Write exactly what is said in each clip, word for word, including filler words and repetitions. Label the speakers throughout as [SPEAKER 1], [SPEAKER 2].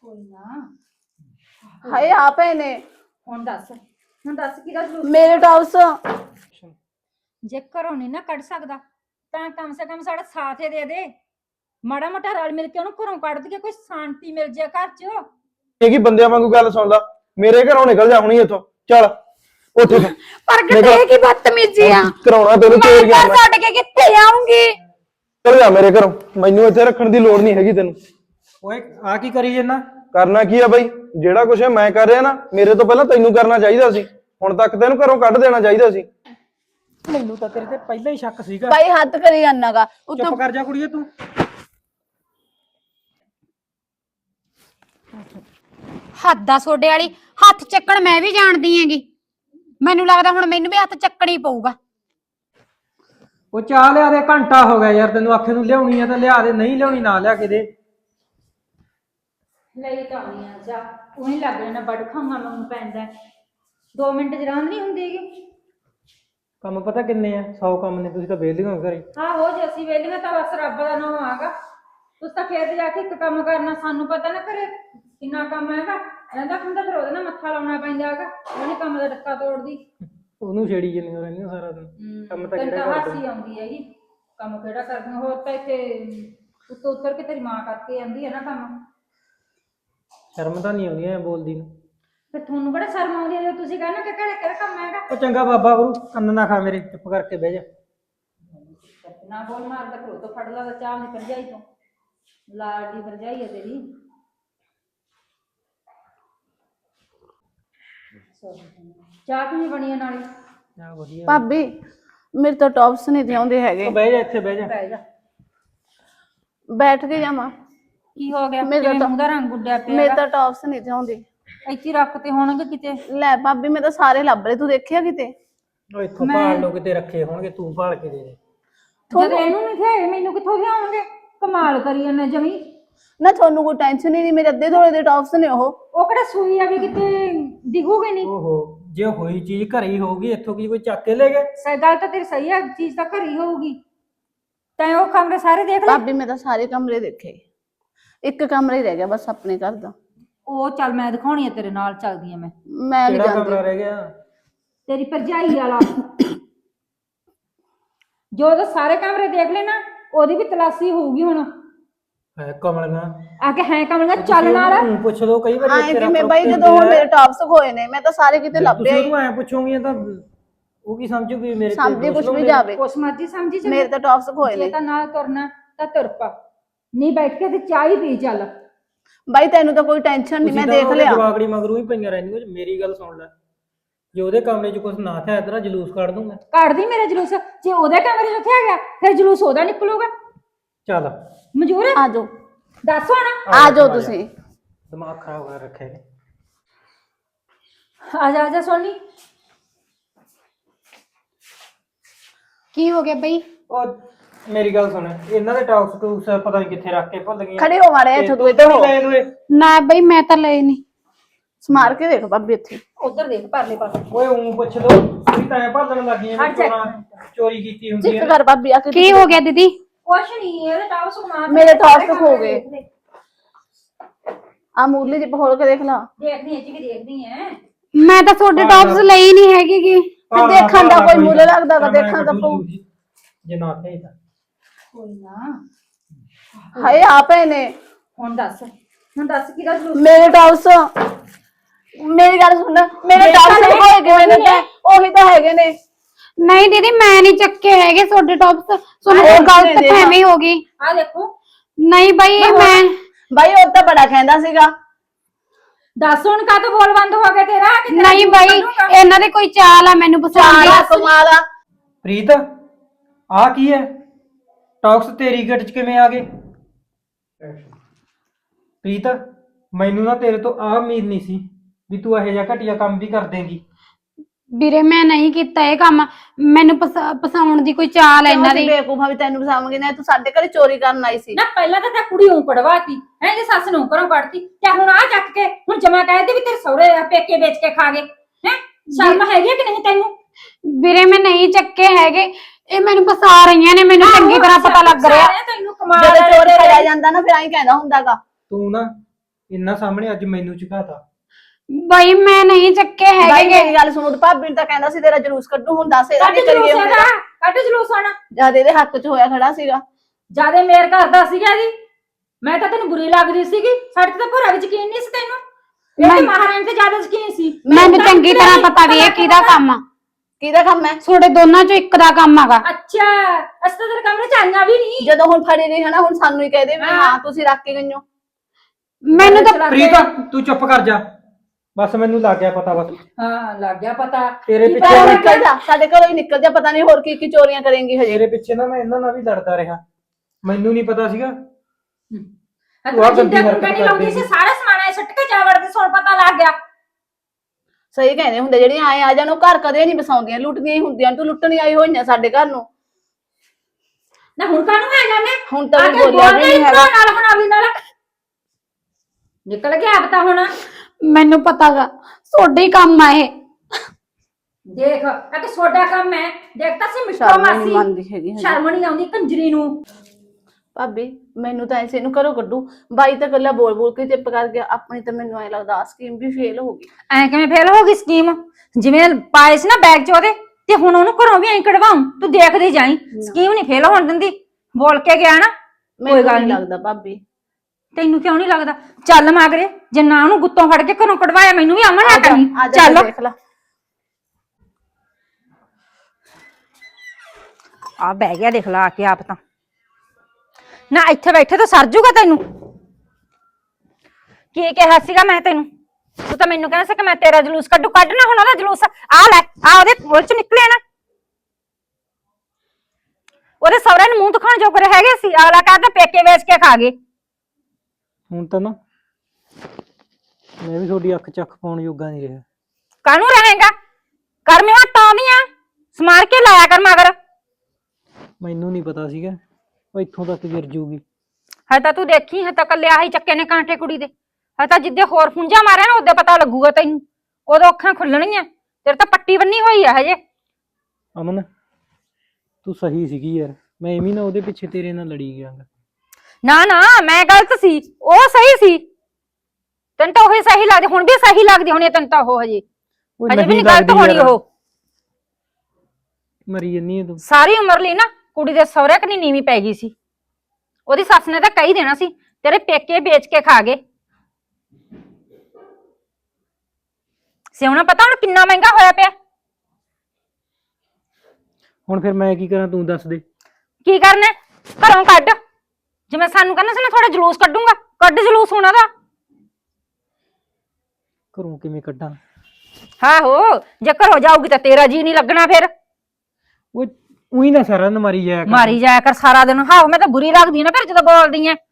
[SPEAKER 1] ਕੋਈ ਨਾ
[SPEAKER 2] ਹਾਏ ਆ ਪਏ ਨੇ।
[SPEAKER 1] ਹੁਣ ਦੱਸ ਹੁਣ ਦੱਸ ਕਿਹਦਾ ਜਲੂਸ?
[SPEAKER 2] ਮੇਰੇ ਟੌਪਸ।
[SPEAKER 1] ਜੇ ਘਰੋਂ ਨਹੀਂ ਨਾ ਕੱਢ ਸਕਦਾ ਤਾਂ ਕਮ ਸੇ ਕਮ ਸਾਡਾ ਸਾਥ ਹੀ ਦੇ ਦੇ। ਮਾੜਾ ਮੋਟਾ ਰਲ ਮਿਲ ਕੇ ਉਹਨੂੰ ਘਰੋਂ ਕੱਢ ਦਈਏ, ਕੋਈ ਸ਼ਾਂਤੀ ਮਿਲ ਜਾਏ ਘਰ 'ਚ।
[SPEAKER 3] ਇਹ ਕੀ ਬੰਦਿਆਂ ਵਾਂਗੂ ਗੱਲ ਸੁਣਦਾ? ਮੇਰੇ ਘਰੋਂ ਨਿਕਲ ਜਾ ਹੁਣੀ ਇੱਥੋਂ। ਚੱਲ ਉੱਠ
[SPEAKER 2] ਪਰ ਕਿਤੇ ਕੀ ਬਦਤਮੀਜ਼ੀ ਆ।
[SPEAKER 3] ਕਰਾਉਣਾ ਤੈਨੂੰ
[SPEAKER 2] ਮੈਂ
[SPEAKER 3] ਚੋਰੀਆਂ
[SPEAKER 2] ਘਰ ਛੱਡ ਕੇ ਕਿੱਥੇ ਜਾਊਂਗੀ?
[SPEAKER 3] ਚੱਲ ਜਾ ਮੇਰੇ ਘਰੋਂ, ਮੈਨੂੰ ਇੱਥੇ ਰੱਖਣ ਦੀ ਲੋੜ ਨਹੀਂ ਹੈਗੀ ਤੈਨੂੰ।
[SPEAKER 4] ਓਏ ਆ ਕੀ ਕਰੀ ਜੰਨਾ?
[SPEAKER 3] ਕਰਨਾ ਕੀ ਆ ਬਾਈ? ਜਿਹੜਾ ਕੁਛ ਮੈਂ ਕਰ ਰਿਹਾ ਨਾ, ਮੇਰੇ ਤੋਂ ਪਹਿਲਾਂ ਤੈਨੂੰ ਕਰਨਾ ਚਾਹੀਦਾ ਸੀ। ਹੁਣ ਤੱਕ ਤੈਨੂੰ ਘਰੋਂ ਕੱਢ ਦੇਣਾ ਚਾਹੀਦਾ ਸੀ।
[SPEAKER 4] ਮੈਨੂੰ ਤਾਂ ਤੇਰੇ ਤੇ ਪਹਿਲਾਂ ਹੀ ਸ਼ੱਕ ਸੀਗਾ।
[SPEAKER 2] ਬਾਈ ਹੱਥ ਕਰੀ ਜਾਨਾਗਾ।
[SPEAKER 4] ਚੁੱਪ ਕਰ ਜਾ ਕੁੜੀਏ ਤੂੰ।
[SPEAKER 5] ਹੱਦ ਆ ਸੋਡੇ ਵਾਲੀ। ਹੱਥ ਚੱਕਣ ਮੈਂ ਵੀ ਜਾਣਦੀ ਹੈਗੀ। ਮੈਨੂੰ ਲੱਗਦਾ ਹੁਣ ਮੈਨੂੰ ਵੀ ਹੱਥ ਚੱਕਣੀ ਪਊਗਾ।
[SPEAKER 4] ਉਹ ਚਾਹ ਲਿਆ ਦੇ, ਘੰਟਾ ਹੋ ਗਿਆ ਯਾਰ ਤੈਨੂੰ ਆਖੇ ਨੂੰ ਲਿਆਉਣੀ ਆ ਤਾਂ ਲਿਆ ਦੇ, ਨਹੀਂ ਲਿਆਉਣੀ ਨਾ ਲਿਆ ਕੇ ਦੇ।
[SPEAKER 1] ਲਈ ਤਾਂ ਆਉਣੀ ਆ ਜਾ, ਉਹੀ ਲੱਗ ਜਾਣਾ ਬੜ ਖਾਂਗਾ ਮੈਨੂੰ ਪੈਂਦਾ। ਦੋ ਮਿੰਟ ਜਰਾਂ ਨਹੀਂ ਹੁੰਦੀਗੀ।
[SPEAKER 4] ਕੰਮ ਪਤਾ ਕਿੰਨੇ ਆ? ਸੌ ਕੰਮ ਨੇ, ਤੁਸੀਂ ਤਾਂ ਵਿਹਲੇ ਹੋ ਘਰੇ।
[SPEAKER 1] ਹਾਂ ਹੋ ਜੇ ਅਸੀਂ ਵੇਲੀਆਂ ਤਾਂ ਬਸ ਰੱਬ ਦਾ ਨਾਮ ਆਗਾ। ਤੁਸੀਂ ਤਾਂ ਖੇਤ ਜਾ ਕੇ ਇੱਕ ਕੰਮ ਕਰਨਾ, ਸਾਨੂੰ ਪਤਾ ਨਾ ਘਰੇ ਕਿੰਨਾ ਕੰਮ ਹੈਗਾ। ਰਹਿੰਦਾ ਹੁੰਦਾ ਫਿਰ ਉਹਦੇ ਨਾਲ ਮੱਥਾ ਲਾਉਣਾ ਪੈਂਦਾ ਹੈਗਾ। ਉਹਨੇ ਕੰਮ ਦਾ ਡੱਕਾ ਤੋੜਦੀ।
[SPEAKER 4] ਉਹਨੂੰ ਛੇੜੀ ਜੰਨੀ ਰਹਿੰਦੀ ਸਾਰਾ ਦਿਨ। ਕੰਮ ਤਾਂ
[SPEAKER 1] ਤੈਨੂੰ
[SPEAKER 4] ਕਿਹੜਾ
[SPEAKER 1] ਤਾਂ
[SPEAKER 4] ਕਰਦਾ?
[SPEAKER 1] ਹਾਸੀ ਆਉਂਦੀ ਹੈਗੀ, ਕੰਮ ਕਿਹੜਾ ਕਰਦੀਆਂ। ਹੋਰ ਤਾਂ ਇੱਥੇ ਉੱਤੋਂ ਉੱਤਰ ਕੇ ਤੇਰੀ ਮਾਂ ਕਰਕੇ ਆਂਦੀ ਹੈ ਨਾ ਕੰਮ।
[SPEAKER 4] ਸ਼ਰਮ ਤਾਂ ਨਹੀਂ ਆਉਂਦੀ ਐ ਬੋਲਦੀ ਨੂੰ।
[SPEAKER 1] ਫਿਰ ਤੁਹਾਨੂੰ ਕਿਹੜਾ ਸ਼ਰਮ ਆਉਂਦੀ ਹੈ ਜੇ ਤੁਸੀਂ ਕਹਿੰਦੇ ਕਿ ਕਿਹੜਾ ਕਿਹੜਾ ਕੰਮ ਹੈਗਾ?
[SPEAKER 4] ਉਹ ਚੰਗਾ ਬਾਬਾ ਗੁਰੂ, ਕੰਨ ਨਾ ਖਾ ਮੇਰੇ, ਚੁੱਪ ਕਰਕੇ ਬਹਿ ਜਾ।
[SPEAKER 1] ਨਾ ਬੋਲ ਮਾਰਦਾ ਫਿਰ ਉਹ ਤੋਂ ਫੜ ਲਾ ਚਾਹ ਨਹੀਂ ਭਰਜਾਈ ਤੋਂ। ਲਾਡੀ ਭਰਜਾਈ ਹੈ ਤੇਰੀ। ਚਾਹ ਕਿਵੇਂ ਬਣੀ ਹੈ ਨਾਲੇ?
[SPEAKER 4] ਆ ਵਧੀਆ।
[SPEAKER 2] ਭਾਬੀ ਮੇਰੇ ਤੋਂ ਟੌਪਸ ਨਹੀਂ ਦਿਆਉਂਦੇ ਹੈਗੇ।
[SPEAKER 4] ਉਹ ਬਹਿ ਜਾ ਇੱਥੇ, ਬਹਿ ਜਾ।
[SPEAKER 1] ਬਹਿ ਜਾ।
[SPEAKER 2] ਬੈਠ ਕੇ ਜਾਵਾਂ?
[SPEAKER 1] ਕੀ ਹੋ ਗਿਆ?
[SPEAKER 2] ਮੇਰਾ
[SPEAKER 1] ਕਿਵੇਂ
[SPEAKER 2] ਤਾਂ-
[SPEAKER 1] ਮੂੰਹ ਦਾ ਰੰਗ ਉੱਡਿਆ ਪਿਆ
[SPEAKER 2] ਮੇਰੇ
[SPEAKER 1] ਹੈਗਾ?
[SPEAKER 2] ਤਾਂ ਟੌਪਸ ਨਹੀਂ ਦਿਆਉਂਦੇ।
[SPEAKER 1] ਇੱਥੇ ਹੀ ਰੱਖ ਤੇ ਹੋਣਗੇ ਕਿਤੇ।
[SPEAKER 2] ਲੈ ਭਾਬੀ ਮੈਂ ਤਾਂ ਸਾਰੇ ਲੱਭ ਲਏ, ਤੂੰ ਦੇਖਿਆ ਕਿਤੇ?
[SPEAKER 4] ਉਹ ਇੱਥੋਂ ਭਾਲ ਲੋ ਕਿਤੇ ਰੱਖੇ ਹੋਣਗੇ, ਤੂੰ ਭਾਲ ਕੇ ਦੇ ਦੇ।
[SPEAKER 1] ਜਦੋਂ ਇਹਨੂੰ ਨਹੀਂ ਥੇ ਮੈਨੂੰ ਕਿੱਥੋਂ ਲਿਆਉਣਗੇ? ਕਮਾਲ ਕਰੀ ਜਾਂਦੇ ਜਮੀ।
[SPEAKER 2] ਨਾ ਤੁਹਾਨੂੰ ਕੋਈ ਟੈਨਸ਼ਨ ਹੀ ਨਹੀਂ, ਮੇਰੇ ਅੱਧੇ ਥੋੜੇ ਦੇ ਟੌਪਸ ਨੇ ਉਹ।
[SPEAKER 1] ਉਹ ਕਿਹੜਾ ਸੂਈ ਆ ਵੀ ਕਿਤੇ ਦਿਖੂਗੇ ਨਹੀਂ।
[SPEAKER 4] ਓਹੋ, ਜੇ ਹੋਈ ਚੀਜ਼ ਘਰੇ ਹੀ ਹੋਊਗੀ, ਇੱਥੋਂ ਕੀ ਕੋਈ ਚੱਕ ਕੇ ਲੈ ਗਿਆ?
[SPEAKER 1] ਸਹੀ ਗੱਲ ਤਾਂ ਤੇਰੀ ਸਹੀ ਹੈ, ਚੀਜ਼ ਤਾਂ ਘਰ ਹੀ ਹੋਊਗੀ। ਤੈਂ ਉਹ ਕਮਰੇ ਸਾਰੇ ਦੇਖ ਲਏ?
[SPEAKER 2] ਭਾਬੀ ਮੈਂ ਤਾਂ ਸਾਰੇ ਕਮਰੇ ਦੇਖੇ, ਇੱਕ ਕਮਰਾ ਹੀ ਰਹਿ ਗਿਆ ਬਸ ਆਪਣੇ ਘਰ ਦਾ।
[SPEAKER 1] ਉਹ ਚੱਲ ਮੈਂ ਦਿਖਾਉਣੀ ਆ ਤੇਰੇ ਨਾਲ, ਚੱਲਦੀ ਆ ਮੈਂ।
[SPEAKER 2] ਮੈਂ ਨਹੀਂ
[SPEAKER 4] ਕਿਹੜਾ ਕਮਰਾ
[SPEAKER 2] ਜਾਂਦੀ।
[SPEAKER 4] ਰਹਿ ਗਿਆ?
[SPEAKER 1] ਤੇਰੀ ਭਰਜਾਈ ਵਾਲਾ। ਜੋ ਉਹ ਸਾਰੇ ਕਮਰੇ ਦੇਖ ਲੈ ਨਾ, ਉਹਦੀ ਵੀ ਤਲਾਸ਼ੀ ਹੋਊਗੀ ਹੁਣ।
[SPEAKER 4] ਹੈ ਕਮਲੀਆਂ।
[SPEAKER 1] ਆ ਕੇ ਹੈ ਕਮਰਾ ਚੱਲ ਨਾਲ।
[SPEAKER 4] ਤੂੰ ਪੁੱਛ ਲੋ ਕਈ ਵਾਰੀ
[SPEAKER 2] ਆਏ
[SPEAKER 4] ਇੱਥੇ
[SPEAKER 2] ਕਿ
[SPEAKER 4] ਰੱਖ
[SPEAKER 2] ਮੈਂ
[SPEAKER 4] ਰੱਖ
[SPEAKER 2] ਬਾਈ
[SPEAKER 4] ਕੇ
[SPEAKER 2] ਜਦੋਂ ਹੁਣ
[SPEAKER 4] ਹੁੰਦੇ ਆ।
[SPEAKER 2] ਮੇਰੇ ਟੌਪਸ ਖੋਏ ਨੇ, ਮੈਂ ਤਾਂ ਸਾਰੇ ਕਿਤੇ ਲੱਭੇ
[SPEAKER 4] ਤੁਸੀਂ
[SPEAKER 2] ਹੀ।
[SPEAKER 4] ਉਹਨੂੰ ਐ ਪੁੱਛੋਗੀ ਤਾਂ ਉਹ ਕੀ ਸਮਝੂਗੀ? ਮੇਰੇ ਤੇ
[SPEAKER 2] ਸਮਝੀ
[SPEAKER 4] ਦੋਸ਼
[SPEAKER 2] ਕੁਛ ਵੀ
[SPEAKER 4] ਲਾਉਂਦੇ।
[SPEAKER 2] ਜਾਵੇ,
[SPEAKER 1] ਕੁਛ ਮਰਜ਼ੀ ਸਮਝੀ ਚੱਲ।
[SPEAKER 2] ਮੇਰੇ ਤਾਂ ਟੌਪਸ ਖੋਏ
[SPEAKER 1] ਜੇ
[SPEAKER 2] ਨੇ।
[SPEAKER 1] ਤਾਂ ਨਾਲ ਤੁਰਨਾ ਤਾਂ ਤੁਰ ਪਾ, ਨਹੀਂ ਬੈਠ ਕੇ ਤੇ ਚਾਹ ਹੀ ਪੀ ਚੱਲ।
[SPEAKER 2] ਬਾਈ ਤੈਨੂੰ ਤਾਂ ਕੋਈ ਟੈਨਸ਼ਨ ਨਹੀਂ, ਮੈਂ
[SPEAKER 4] ਤੁਸੀਂ ਤਾਂ
[SPEAKER 2] ਦੇਖ
[SPEAKER 4] ਉਹਦੇ
[SPEAKER 2] ਲਿਆ।
[SPEAKER 4] ਜਵਾਕੜੀ ਮਗਰੋਂ ਹੀ ਪਈਆਂ ਰਹਿੰਦੀਆਂ। ਮੇਰੀ ਗੱਲ ਸੁਣ ਲੈ, ਜੇ ਉਹਦੇ ਕਮਰੇ 'ਚ ਕੁਝ ਨਾ ਥਿਆ ਤੇਰਾ ਜਲੂਸ ਕੱਢ ਦੂੰਗਾ।
[SPEAKER 1] ਕੱਢਦੀ ਮੇਰਾ ਜਲੂਸ। ਜੇ ਉਹਦੇ ਕਮਰੇ 'ਚ ਉੱਥੇ ਆ ਗਿਆ ਫਿਰ ਜਲੂਸ ਉਹਦਾ ਨਿਕਲੂਗਾ।
[SPEAKER 4] ਚੱਲ
[SPEAKER 1] ਮਨਜ਼ੂਰ ਹੈ?
[SPEAKER 2] ਆ ਜਾਓ,
[SPEAKER 1] ਦੱਸ ਹੁਣ।
[SPEAKER 2] ਆ ਜਾਓ ਤੁਸੀਂ।
[SPEAKER 4] ਦਿਮਾਗ ਖਰਾਬ ਕਰ ਰੱਖਿਆ ਨੇ।
[SPEAKER 1] ਆ ਜਾ ਆ ਜਾ ਸੋਨੀ।
[SPEAKER 5] ਕੀ ਹੋ ਗਿਆ ਬਈ?
[SPEAKER 4] ਉਹ ਮੇਰੀ ਗੱਲ ਸੁਣ, ਇਹਨਾਂ ਦੇ ਟੌਕਸ ਟੂਕਸ ਪਤਾ ਨਹੀਂ ਕਿੱਥੇ ਰੱਖ ਕੇ ਭੁੱਲ ਗਈਆਂ।
[SPEAKER 2] ਖੜੇ ਹੋ ਮਾੜੇ ਇੱਥੇ, ਤੂੰ ਇੱਧਰ ਹੋ।
[SPEAKER 4] ਲੈ ਲਏ।
[SPEAKER 5] ਨਾ ਬਈ ਮੈਂ ਤਾਂ ਲਏ ਨਹੀਂ।
[SPEAKER 2] ਸਮਾਰ ਕੇ ਦੇਖ ਭਾਬੀ ਇੱਥੇ।
[SPEAKER 1] ਉਧਰ ਦੇਖ ਪਰਲੇ ਪਾਸੇ।
[SPEAKER 4] ਓਏ ਉਂ ਪੁੱਛ ਲੋ, ਤੁਸੀਂ ਤਾਂ ਐ ਭਾਲਣ ਲੱਗੀਆਂ
[SPEAKER 1] ਹਟ ਜਾ।
[SPEAKER 4] ਚੋਰੀ ਕੀਤੀ ਹੁੰਦੀ
[SPEAKER 2] ਚਿੱਕ
[SPEAKER 4] ਹੈ।
[SPEAKER 2] ਕਰ ਭਾਬੀ ਆ ਕੇ।
[SPEAKER 5] ਕੀ ਹੋ ਗਿਆ ਦੀਦੀ?
[SPEAKER 1] ਕੁਛ ਨਹੀਂ, ਇਹਦੇ ਟਾਪਸ ਮਾਰ।
[SPEAKER 2] ਮੇਰੇ ਟੌਪਸ ਖੋ ਗਏ। ਆ ਮੂਰਲੀ ਜਿਪ ਖੋਲ ਕੇ ਦੇਖ ਲਾ।
[SPEAKER 1] ਦੇਖਦੀ ਐ ਜੀ, ਵੀ ਦੇਖਦੀ ਐ।
[SPEAKER 5] ਮੈਂ ਤਾਂ ਤੁਹਾਡੇ ਟੌਪਸ ਲਈ ਨਹੀਂ ਹੈਗੇ ਗੀ।
[SPEAKER 2] ਫਿਰ ਦੇਖਣ ਦਾ ਕੋਈ ਮੁੱਲ ਲੱਗਦਾ ਗਾ, ਦੇਖਣ ਦਾ ਪਊ।
[SPEAKER 4] ਜੇ ਨਾ ਤੇ ਤਾਂ
[SPEAKER 1] ਕੋਈ ਨਾ।
[SPEAKER 2] ਹਾਏ ਆ ਪਏ ਨੇ।
[SPEAKER 1] ਹੁਣ ਦੱਸ ਹੁਣ ਦੱਸ ਕਿਹਦਾ ਜਲੂਸ?
[SPEAKER 2] ਮੇਰੇ ਟੌਪਸ, ਮੇਰੀ ਗੱਲ ਸੁਣ, ਮੇਰੇ ਟੌਪਸ ਖੋਏ ਗਏ ਨੇ ਤਾਂ ਉਹੀ ਤਾਂ ਹੈਗੇ ਨੇ।
[SPEAKER 5] ਨਹੀਂ ਦੀਦੀ ਮੈਂ ਨਹੀਂ ਚੱਕੇ ਹੈਗੇ ਤੁਹਾਡੇ ਟੌਪਸ। ਤੁਹਾਨੂੰ
[SPEAKER 2] ਉਹ
[SPEAKER 5] ਗਲਤ
[SPEAKER 2] ਦੇ ਦੇ।
[SPEAKER 5] ਫਹਿਮੀ ਹੋ ਗਈ।
[SPEAKER 1] ਆ ਦੇਖੋ।
[SPEAKER 5] ਨਹੀਂ ਬਈ ਮੈਂ
[SPEAKER 2] ਬਾਈ ਉਹ ਤਾਂ ਬੜਾ ਕਹਿੰਦਾ ਸੀਗਾ।
[SPEAKER 1] ਦੱਸ ਹੁਣ ਕਾਹਤੋਂ ਬੋਲ ਬੰਦ ਹੋ ਗਿਆ ਤੇਰਾ? ਕਿ ਤੇਰਾ
[SPEAKER 5] ਨਹੀਂ
[SPEAKER 1] ਜਲੂਸ
[SPEAKER 5] ਬਈ
[SPEAKER 1] ਕੱਢੂੰਗਾ?
[SPEAKER 5] ਇਹਨਾਂ ਦੇ ਕੋਈ ਚਾਲ ਆ ਮੈਨੂੰ ਪਸੰਦ
[SPEAKER 2] ਚਾਰਾ
[SPEAKER 5] ਆ।
[SPEAKER 2] ਕਮਾਲ ਆ।
[SPEAKER 4] ਪ੍ਰੀਤ, ਆ ਕੀ ਹੈ? ਟੌਕਸ ਤੇਰੀ ਗਿੱਟ 'ਚ ਕਿਵੇਂ ਆ ਗਏ? ਪ੍ਰੀਤ, ਮੈਨੂੰ ਨਾ ਤੇਰੇ ਤੋਂ ਆ ਉਮੀਦ ਨਹੀਂ ਸੀ ਵੀ ਤੂੰ ਇਹੋ ਜਿਹਾ ਘਟੀਆ ਕੰਮ ਵੀ ਕਰ ਦੇਂਗੀ।
[SPEAKER 5] ਵੀਰੇ ਮੈਂ ਨਹੀਂ ਕੀਤਾ ਇਹ ਕੰਮ। ਮੈਨੂੰ ਪਸ- ਪਸਾਉਣ ਦੀ ਕੋਈ ਚਾਲ ਹੈ ਇਹਨਾਂ ਦੀ।
[SPEAKER 2] ਬੇਵਕੂਫਾ ਵੀ ਤੈਨੂੰ ਫਸਾਵਾਂਗੇ ਨਾ, ਤੂੰ ਸਾਡੇ ਘਰੇ ਚੋਰੀ ਕਰਨ ਆਈ ਸੀ।
[SPEAKER 1] ਨਾ ਪਹਿਲਾਂ ਤਾਂ ਤੇ ਕੁੜੀ ਨੂੰ ਕੜਵਾਤੀ ਹੈ, ਜੇ ਸੱਸ ਨੂੰ ਘਰੋਂ ਕੱਢਤੀ ਤੇ ਹੁਣ ਆ ਚੱਕ ਕੇ ਹੁਣ ਜਮਾ ਕਹਿ ਵੀ ਤੇਰੇ ਸਹੁਰੇ ਆ ਪੇਕੇ ਵੇਚ ਕੇ ਖਾ ਗਏ ਹੈ। ਸ਼ਰਮ ਹੈਗੀ ਆ ਕਿ ਨਹੀਂ ਤੈਨੂੰ?
[SPEAKER 5] ਵੀਰੇ ਮੈਂ ਨਹੀਂ ਚੱਕੇ ਹੈਗੇ, ਇਹ ਮੈਨੂੰ ਫਸਾ ਰਹੀਆਂ ਨੇ। ਮੈਨੂੰ ਚੰਗੀ ਤਰ੍ਹਾਂ ਪਤਾ ਲੱਗ ਰਿਹਾ।
[SPEAKER 1] ਤੈਨੂੰ ਕਮਾਲ
[SPEAKER 2] ਜਦੋਂ
[SPEAKER 1] ਆ
[SPEAKER 2] ਚੋਰ
[SPEAKER 1] ਤੇਰੇ।
[SPEAKER 2] ਫੜਿਆ ਜਾਂਦਾ ਨਾ ਫਿਰ ਐਂ ਕਹਿੰਦਾ ਹੁੰਦਾਗਾ।
[SPEAKER 4] ਤੂੰ ਨਾ ਇੰਨਾ ਸਾਹਮਣੇ ਅੱਜ ਮੈਨੂੰ ਝੁਕਾਤਾ।
[SPEAKER 5] ਬਈ ਮੈਂ ਨਹੀਂ ਚੱਕੇ
[SPEAKER 2] ਬਾਈ
[SPEAKER 5] ਹੈਗੇ
[SPEAKER 2] ਮੇਰੀ ਗੱਲ ਸੁਣ, ਭਾਬੀ ਨੂੰ ਤਾਂ ਕਹਿੰਦਾ ਸੀ ਤੇਰਾ ਜਲੂਸ ਕੱਢੂ, ਹੁਣ ਦੱਸ ਇਹਦਾ
[SPEAKER 1] ਕੱਢ
[SPEAKER 2] ਕੀ ਕਰੀਏ?
[SPEAKER 1] ਜਲੂਸ ਇਹਦਾ ਕੱਢ ਜਲੂਸ ਹੁਣ।
[SPEAKER 2] ਜਦ ਇਹਦੇ ਹੱਕ 'ਚ ਹੋਇਆ ਖੜਾ ਸੀਗਾ।
[SPEAKER 1] ਜਿਆਦੇ ਮੇਰ ਕਰਦਾ ਸੀਗਾ ਜੀ। ਮੈਂ ਤਾਂ ਤੈਨੂੰ ਬੁਰੀ ਲੱਗਦੀ ਸੀਗੀ, ਸਾਡੇ ਤੇ ਤਾਂ ਭੋਰਾ ਵੀ ਯਕੀਨ ਨਹੀਂ ਸੀ ਤੈਨੂੰ। ਇਹ ਤੇ ਮਹਾਰਾਣੀ ਤੇ ਜ਼ਿਆਦਾ ਯਕੀਨ ਸੀ।
[SPEAKER 5] ਮੈਨੂੰ ਚੰਗੀ ਤਰ੍ਹਾਂ ਪਤਾ ਵੀ ਇਹ ਕਿਹਦਾ ਕੰਮ ਆ।
[SPEAKER 2] ਕਿਹਦਾ ਕੰਮ ਹੈ?
[SPEAKER 5] ਤੁਹਾਡੇ ਦੋਨਾਂ ਚੋਂ ਇੱਕ ਦਾ ਕੰਮ ਹੈਗਾ।
[SPEAKER 1] ਅੱਛਾ ਅਸੀਂ ਤਾਂ ਤੇਰੇ ਕਮਰੇ ਚ ਆਈਆਂ ਵੀ ਨਹੀਂ।
[SPEAKER 2] ਜਦੋਂ ਹੁਣ ਫੜੀ ਗਈ ਹਨਾ, ਹੁਣ ਸਾਨੂੰ ਹੀ ਕਹਿ ਦੇ ਵੀ ਹਾਂ ਤੁਸੀਂ ਰੱਖ ਕੇ ਗਈਓ।
[SPEAKER 5] ਮੈਨੂੰ ਤਾਂ
[SPEAKER 4] ਪ੍ਰੀਤ ਤੂੰ ਚੁੱਪ ਕਰ ਜਾ, ਬਸ ਮੈਨੂੰ ਲੱਗ ਗਿਆ ਪਤਾ। ਬਸ
[SPEAKER 1] ਹਾਂ ਲੱਗ ਗਿਆ ਪਤਾ।
[SPEAKER 4] ਤੇਰੇ
[SPEAKER 1] ਕੀ
[SPEAKER 4] ਪਿੱਛੇ
[SPEAKER 1] ਪਤਾ
[SPEAKER 2] ਚੱਲ
[SPEAKER 4] ਮੈਂ-
[SPEAKER 2] ਨਿਕਲ ਜਾ, ਸਾਡੇ ਘਰੋਂ ਹੀ ਨਿਕਲ ਜਾ, ਪਤਾ ਨਹੀਂ ਹੋਰ ਕੀ ਕੀ ਚੋਰੀਆਂ ਕਰੇਂਗੀ ਹਜੇ।
[SPEAKER 4] ਤੇਰੇ ਪਿੱਛੇ ਨਾ ਮੈਂ ਇਹਨਾਂ ਨਾਲ ਵੀ ਲੜਦਾ ਰਿਹਾ, ਮੈਨੂੰ ਨਹੀਂ ਪਤਾ ਸੀਗਾ।
[SPEAKER 1] ਤੂੰ
[SPEAKER 4] ਆਹ
[SPEAKER 1] ਜਿੰਦੇ
[SPEAKER 4] ਗੰਦੀ ਹਰਕਤ
[SPEAKER 1] ਕੁੰਡੇ ਨਹੀਂ ਲਾਉਂਦੀ
[SPEAKER 4] ਕਰਦੀ
[SPEAKER 1] ਸੀ, ਸਾਰਾ ਸਮਾਨ ਐ ਸੁੱਟ ਕੇ ਜਾ ਵੜਦੀ, ਸੁਣ ਪਤਾ ਲੱਗ ਗਿਆ।
[SPEAKER 2] ਸਹੀ ਕਹਿੰਦੇ ਹੁੰਦੇ, ਜਿਹੜੀਆਂ ਆਏ ਆ ਜਾਣ ਉਹ ਘਰ ਕਦੇ ਨਹੀਂ ਬਸਾਉਂਦੀਆਂ, ਲੁੱਟਦੀਆਂ ਹੀ ਹੁੰਦੀਆਂ। ਤੂੰ ਲੁੱਟਣ ਆਈ ਹੋਈਆਂ ਸਾਡੇ ਘਰ ਨੂੰ।
[SPEAKER 1] ਨਾ ਹੁਣ ਕਾਹਨੂੰ ਆ ਜਾਂਦੇ?
[SPEAKER 2] ਹੁਣ ਤਾਂ
[SPEAKER 1] ਆ
[SPEAKER 2] ਵੀ
[SPEAKER 1] ਕੇ
[SPEAKER 2] ਬੋਲਿਆ ਵੀ
[SPEAKER 1] ਬੋਲਦੇ
[SPEAKER 2] ਨਹੀਂ
[SPEAKER 1] ਨੀ
[SPEAKER 2] ਹੈਗਾ।
[SPEAKER 1] ਭਰਾ ਨਾਲ, ਹੁਣ ਆਵੀ ਨਾਲ ਨਿਕਲ ਗਿਆ ਪਤਾ ਹੁਣ।
[SPEAKER 5] ਮੈਨੂੰ ਪਤਾਗਾ ਤੁਹਾਡੇ ਹੀ ਕੰਮ ਆ ਇਹ।
[SPEAKER 1] ਦੇਖ ਆ ਕਿ ਸੋਡਾ ਕੰਮ ਹੈ। ਦੇਖਤਾ ਸੀ ਮਿੱਠੋ
[SPEAKER 2] ਸ਼ਰਮ ਨਹੀਂ
[SPEAKER 1] ਮਾਸੀ,
[SPEAKER 2] ਮੰਨਦੀ ਹੈਗੀ ਹਜੇ।
[SPEAKER 1] ਸ਼ਰਮ ਨਹੀਂ ਆਉਂਦੀ ਕੰਜਰੀ ਨੂੰ।
[SPEAKER 2] ਭਾਬੀ ਮੈਨੂੰ ਤਾਂ ਐਸੇ ਨੂੰ ਘਰੋਂ ਕੱਢੂ। ਬਾਈ ਤਾਂ ਗੱਲਾਂ ਬੋਲ ਬੋਲ ਕੇ ਚੁੱਪ ਕਰ ਗਿਆ। ਆਪਣੀ ਤਾਂ ਮੈਨੂੰ ਐ ਲੱਗਦਾ ਆਹ ਸਕੀਮ ਵੀ ਫੇਲ ਹੋ ਗਈ।
[SPEAKER 1] ਐ ਕਿਵੇਂ ਫੇਲ ਹੋ ਗਈ ਸਕੀਮ? ਜਿਵੇਂ ਪਾਏ ਸੀ ਨਾ ਬੈਗ ਚ ਉਹਦੇ, ਤੇ ਹੁਣ ਉਹਨੂੰ ਘਰੋਂ ਵੀ ਐਂ ਕਢਵਾਉਂ। ਤੂੰ ਦੇਖਦੀ ਜਾਈ, ਸਕੀਮ ਨਹੀਂ ਫੇਲ ਹੋਣ ਦਿੰਦੀ। ਬੋਲ ਕੇ ਗਿਆ ਨਾ,
[SPEAKER 2] ਮੈਨੂੰ
[SPEAKER 1] ਗੱਲ
[SPEAKER 2] ਨਹੀਂ
[SPEAKER 1] ਨੀ।
[SPEAKER 2] ਲੱਗਦਾ ਭਾਬੀ।
[SPEAKER 1] ਤੈਨੂੰ ਕਿਉਂ ਨਹੀਂ ਲੱਗਦਾ? ਚੱਲ ਮਾਗਰੇ, ਜੇ ਨਾ ਉਹਨੂੰ ਗੁੱਤੋਂ ਫੜ ਕੇ ਘਰੋਂ ਕਢਵਾਇਆ, ਮੈਨੂੰ ਵੀ ਅਮਨ
[SPEAKER 2] ਆ
[SPEAKER 1] ਆ
[SPEAKER 2] ਜਾ,
[SPEAKER 1] ਕਰੀ।
[SPEAKER 2] ਆ ਜਾ
[SPEAKER 1] ਚੱਲ
[SPEAKER 2] ਦੇਖ ਲੈ।
[SPEAKER 1] ਆ ਬਹਿ ਗਿਆ, ਦੇਖ ਲਾ ਆ ਕੇ ਆਪ ਤਾਂ। ਨਾ ਇੱਥੇ ਬੈਠੇ ਤਾਂ ਸਰ ਜੂਗਾ ਤੈਨੂੰ। ਕੀ ਕਿਹਾ ਸੀਗਾ ਮੈਂ ਤੈਨੂੰ? ਤੂੰ ਤਾਂ ਮੈਨੂੰ ਕਹਿੰਦਾ ਸੀ ਕਿ ਮੈਂ ਤੇਰਾ ਜਲੂਸ ਕੱਢੂ। ਕੱਢਣਾ ਹੁਣ ਉਹਦਾ ਜਲੂਸ। ਆ ਲੈ, ਆ ਉਹਦੇ ਕੋਲ ਚ ਨਿਕਲਿਆ ਨਾ। ਉਹਦੇ ਸਹੁਰੇ ਨੂੰ ਮੂੰਹ ਦਿਖਾਉਣ ਜੋਗਰੇ ਹੈਗੇ ਸੀ, ਅਗਲਾ ਕਹਿੰਦਾ ਪੇਕੇ ਵੇਚ ਕੇ ਖਾ ਗਏ।
[SPEAKER 4] ਹੁਣ ਤਾਂ ਨਾ ਮੈਂ ਵੀ ਤੁਹਾਡੀ ਅੱਖ ਚੱਖ ਪਾਉਣ ਜੋਗਾ ਨਹੀਂ ਰਿਹਾ।
[SPEAKER 1] ਕਾਹਨੂੰ ਰਹੇਗਾ? ਕਰਮੇ ਹੱਥ ਆਉਂਦੀਆਂ, ਸਮਾਰ ਕੇ ਲਾਇਆ ਕਰ ਮਗਰ।
[SPEAKER 4] ਮੈਨੂੰ ਨਹੀਂ ਪਤਾ ਸੀਗਾ ਉਹ ਇੱਥੋਂ ਤੱਕ ਗਿਰ ਜੂਗੀ।
[SPEAKER 1] ਹੈ ਤਾਂ ਤੂੰ ਦੇਖੀ, ਹੈ ਤਾਂ ਕੱਲੇ ਆਹੀ ਚੱਕੇ ਨੇ ਕਾਂਟੇ ਕੁੜੀ ਦੇ। ਹੈ ਤਾਂ ਜਿੱਦੇ ਹੋਰ ਫੁੰਜਾ ਮਾਰਿਆ ਨਾ, ਉਹਦੇ ਪਤਾ ਲੱਗੂਗਾ ਤੈਨੂੰ। ਉਦੋਂ ਅੱਖਾਂ ਖੁੱਲਣਗੀਆਂ। ਤੇਰੇ ਤਾਂ ਪੱਟੀ ਬੰਨੀ ਹੋਈ ਆ ਹਜੇ।
[SPEAKER 4] ਅਮਨ ਤੂੰ ਸਹੀ ਸੀਗੀ ਯਾਰ, ਮੈਂ ਐਵੇਂ ਨਾ ਉਹਦੇ ਪਿੱਛੇ ਤੇਰੇ ਨਾਲ ਲੜੀ ਗਿਆਗਾ।
[SPEAKER 1] ਨਾ ਨਾ ਮੈਂ ਗਲਤ ਸੀ, ਉਹ ਸਹੀ ਸੀ। ਤੈਨੂੰ ਤਾਂ ਉਹੀ ਸਹੀ ਲੱਗਦੀ, ਹੁਣ ਵੀ ਸਹੀ ਲੱਗਦੀ ਹੋਣੀ ਤੈਨੂੰ ਤਾਂ ਉਹ ਹਜੇ। ਹਜੇ ਵੀ ਨਹੀਂ ਗਲਤ ਹੋਣੀ ਉਹ।
[SPEAKER 4] ਮਰੀ ਜੰਨੀ ਹੈ ਤੂੰ।
[SPEAKER 1] ਸਾਰੀ ਉਮਰ ਲਈ ਨਾ ਕੁੜੀ ਦੇ ਸਹੁਰੇ ਕਨੀ ਨੀਵੀਂ ਪੈ ਗਈ ਸੀ। ਉਹਦੀ ਸੱਸ ਨੇ ਤਾਂ ਕਹੀ ਦੇਣਾ ਸੀ ਤੇਰੇ ਪੇਕੇ ਵੇਚ ਕੇ ਖਾ ਗਏ। ਸਿਉਣਾ ਪਤਾ ਹੁਣ ਕਿੰਨਾ ਮਹਿੰਗਾ ਹੋਇਆ ਪਿਆ।
[SPEAKER 4] ਹੁਣ ਫਿਰ ਮੈਂ ਕੀ ਕਰਾਂ, ਤੂੰ ਦੱਸ ਦੇ।
[SPEAKER 1] ਕੀ ਕਰਨਾ? ਘਰੋਂ ਕੱਢ। ਜਿਵੇਂ ਸਾਨੂੰ ਕਹਿੰਦਾ ਸੀ ਨਾ ਥੋੜਾ ਜਲੂਸ ਕੱਢੂੰਗਾ, ਕੱਢ ਜਲੂਸ ਹੁਣ ਉਹਦਾ।
[SPEAKER 4] ਘਰੋਂ ਕਿਵੇਂ ਕੱਢਾਂ?
[SPEAKER 1] ਆਹੋ, ਜੇ ਘਰੋਂ ਜਾਊਗੀ ਤਾਂ ਤੇਰਾ ਜੀ ਨਹੀਂ ਲੱਗਣਾ ਫਿਰ।
[SPEAKER 4] ਉਹ ਉਹੀ ਨਾ ਸਾਰਾ ਦਿਨ ਮਾਰੀ ਜਾਇਆ ਕਰ।
[SPEAKER 1] ਮਾਰੀ ਜਾਇਆ ਕਰ ਸਾਰਾ ਦਿਨ। ਹਾਂ ਮੈਂ ਤਾਂ ਬੁਰੀ ਲੱਗਦੀ ਨਾ ਫਿਰ ਜਦੋਂ ਬੋਲਦੀ ਐ।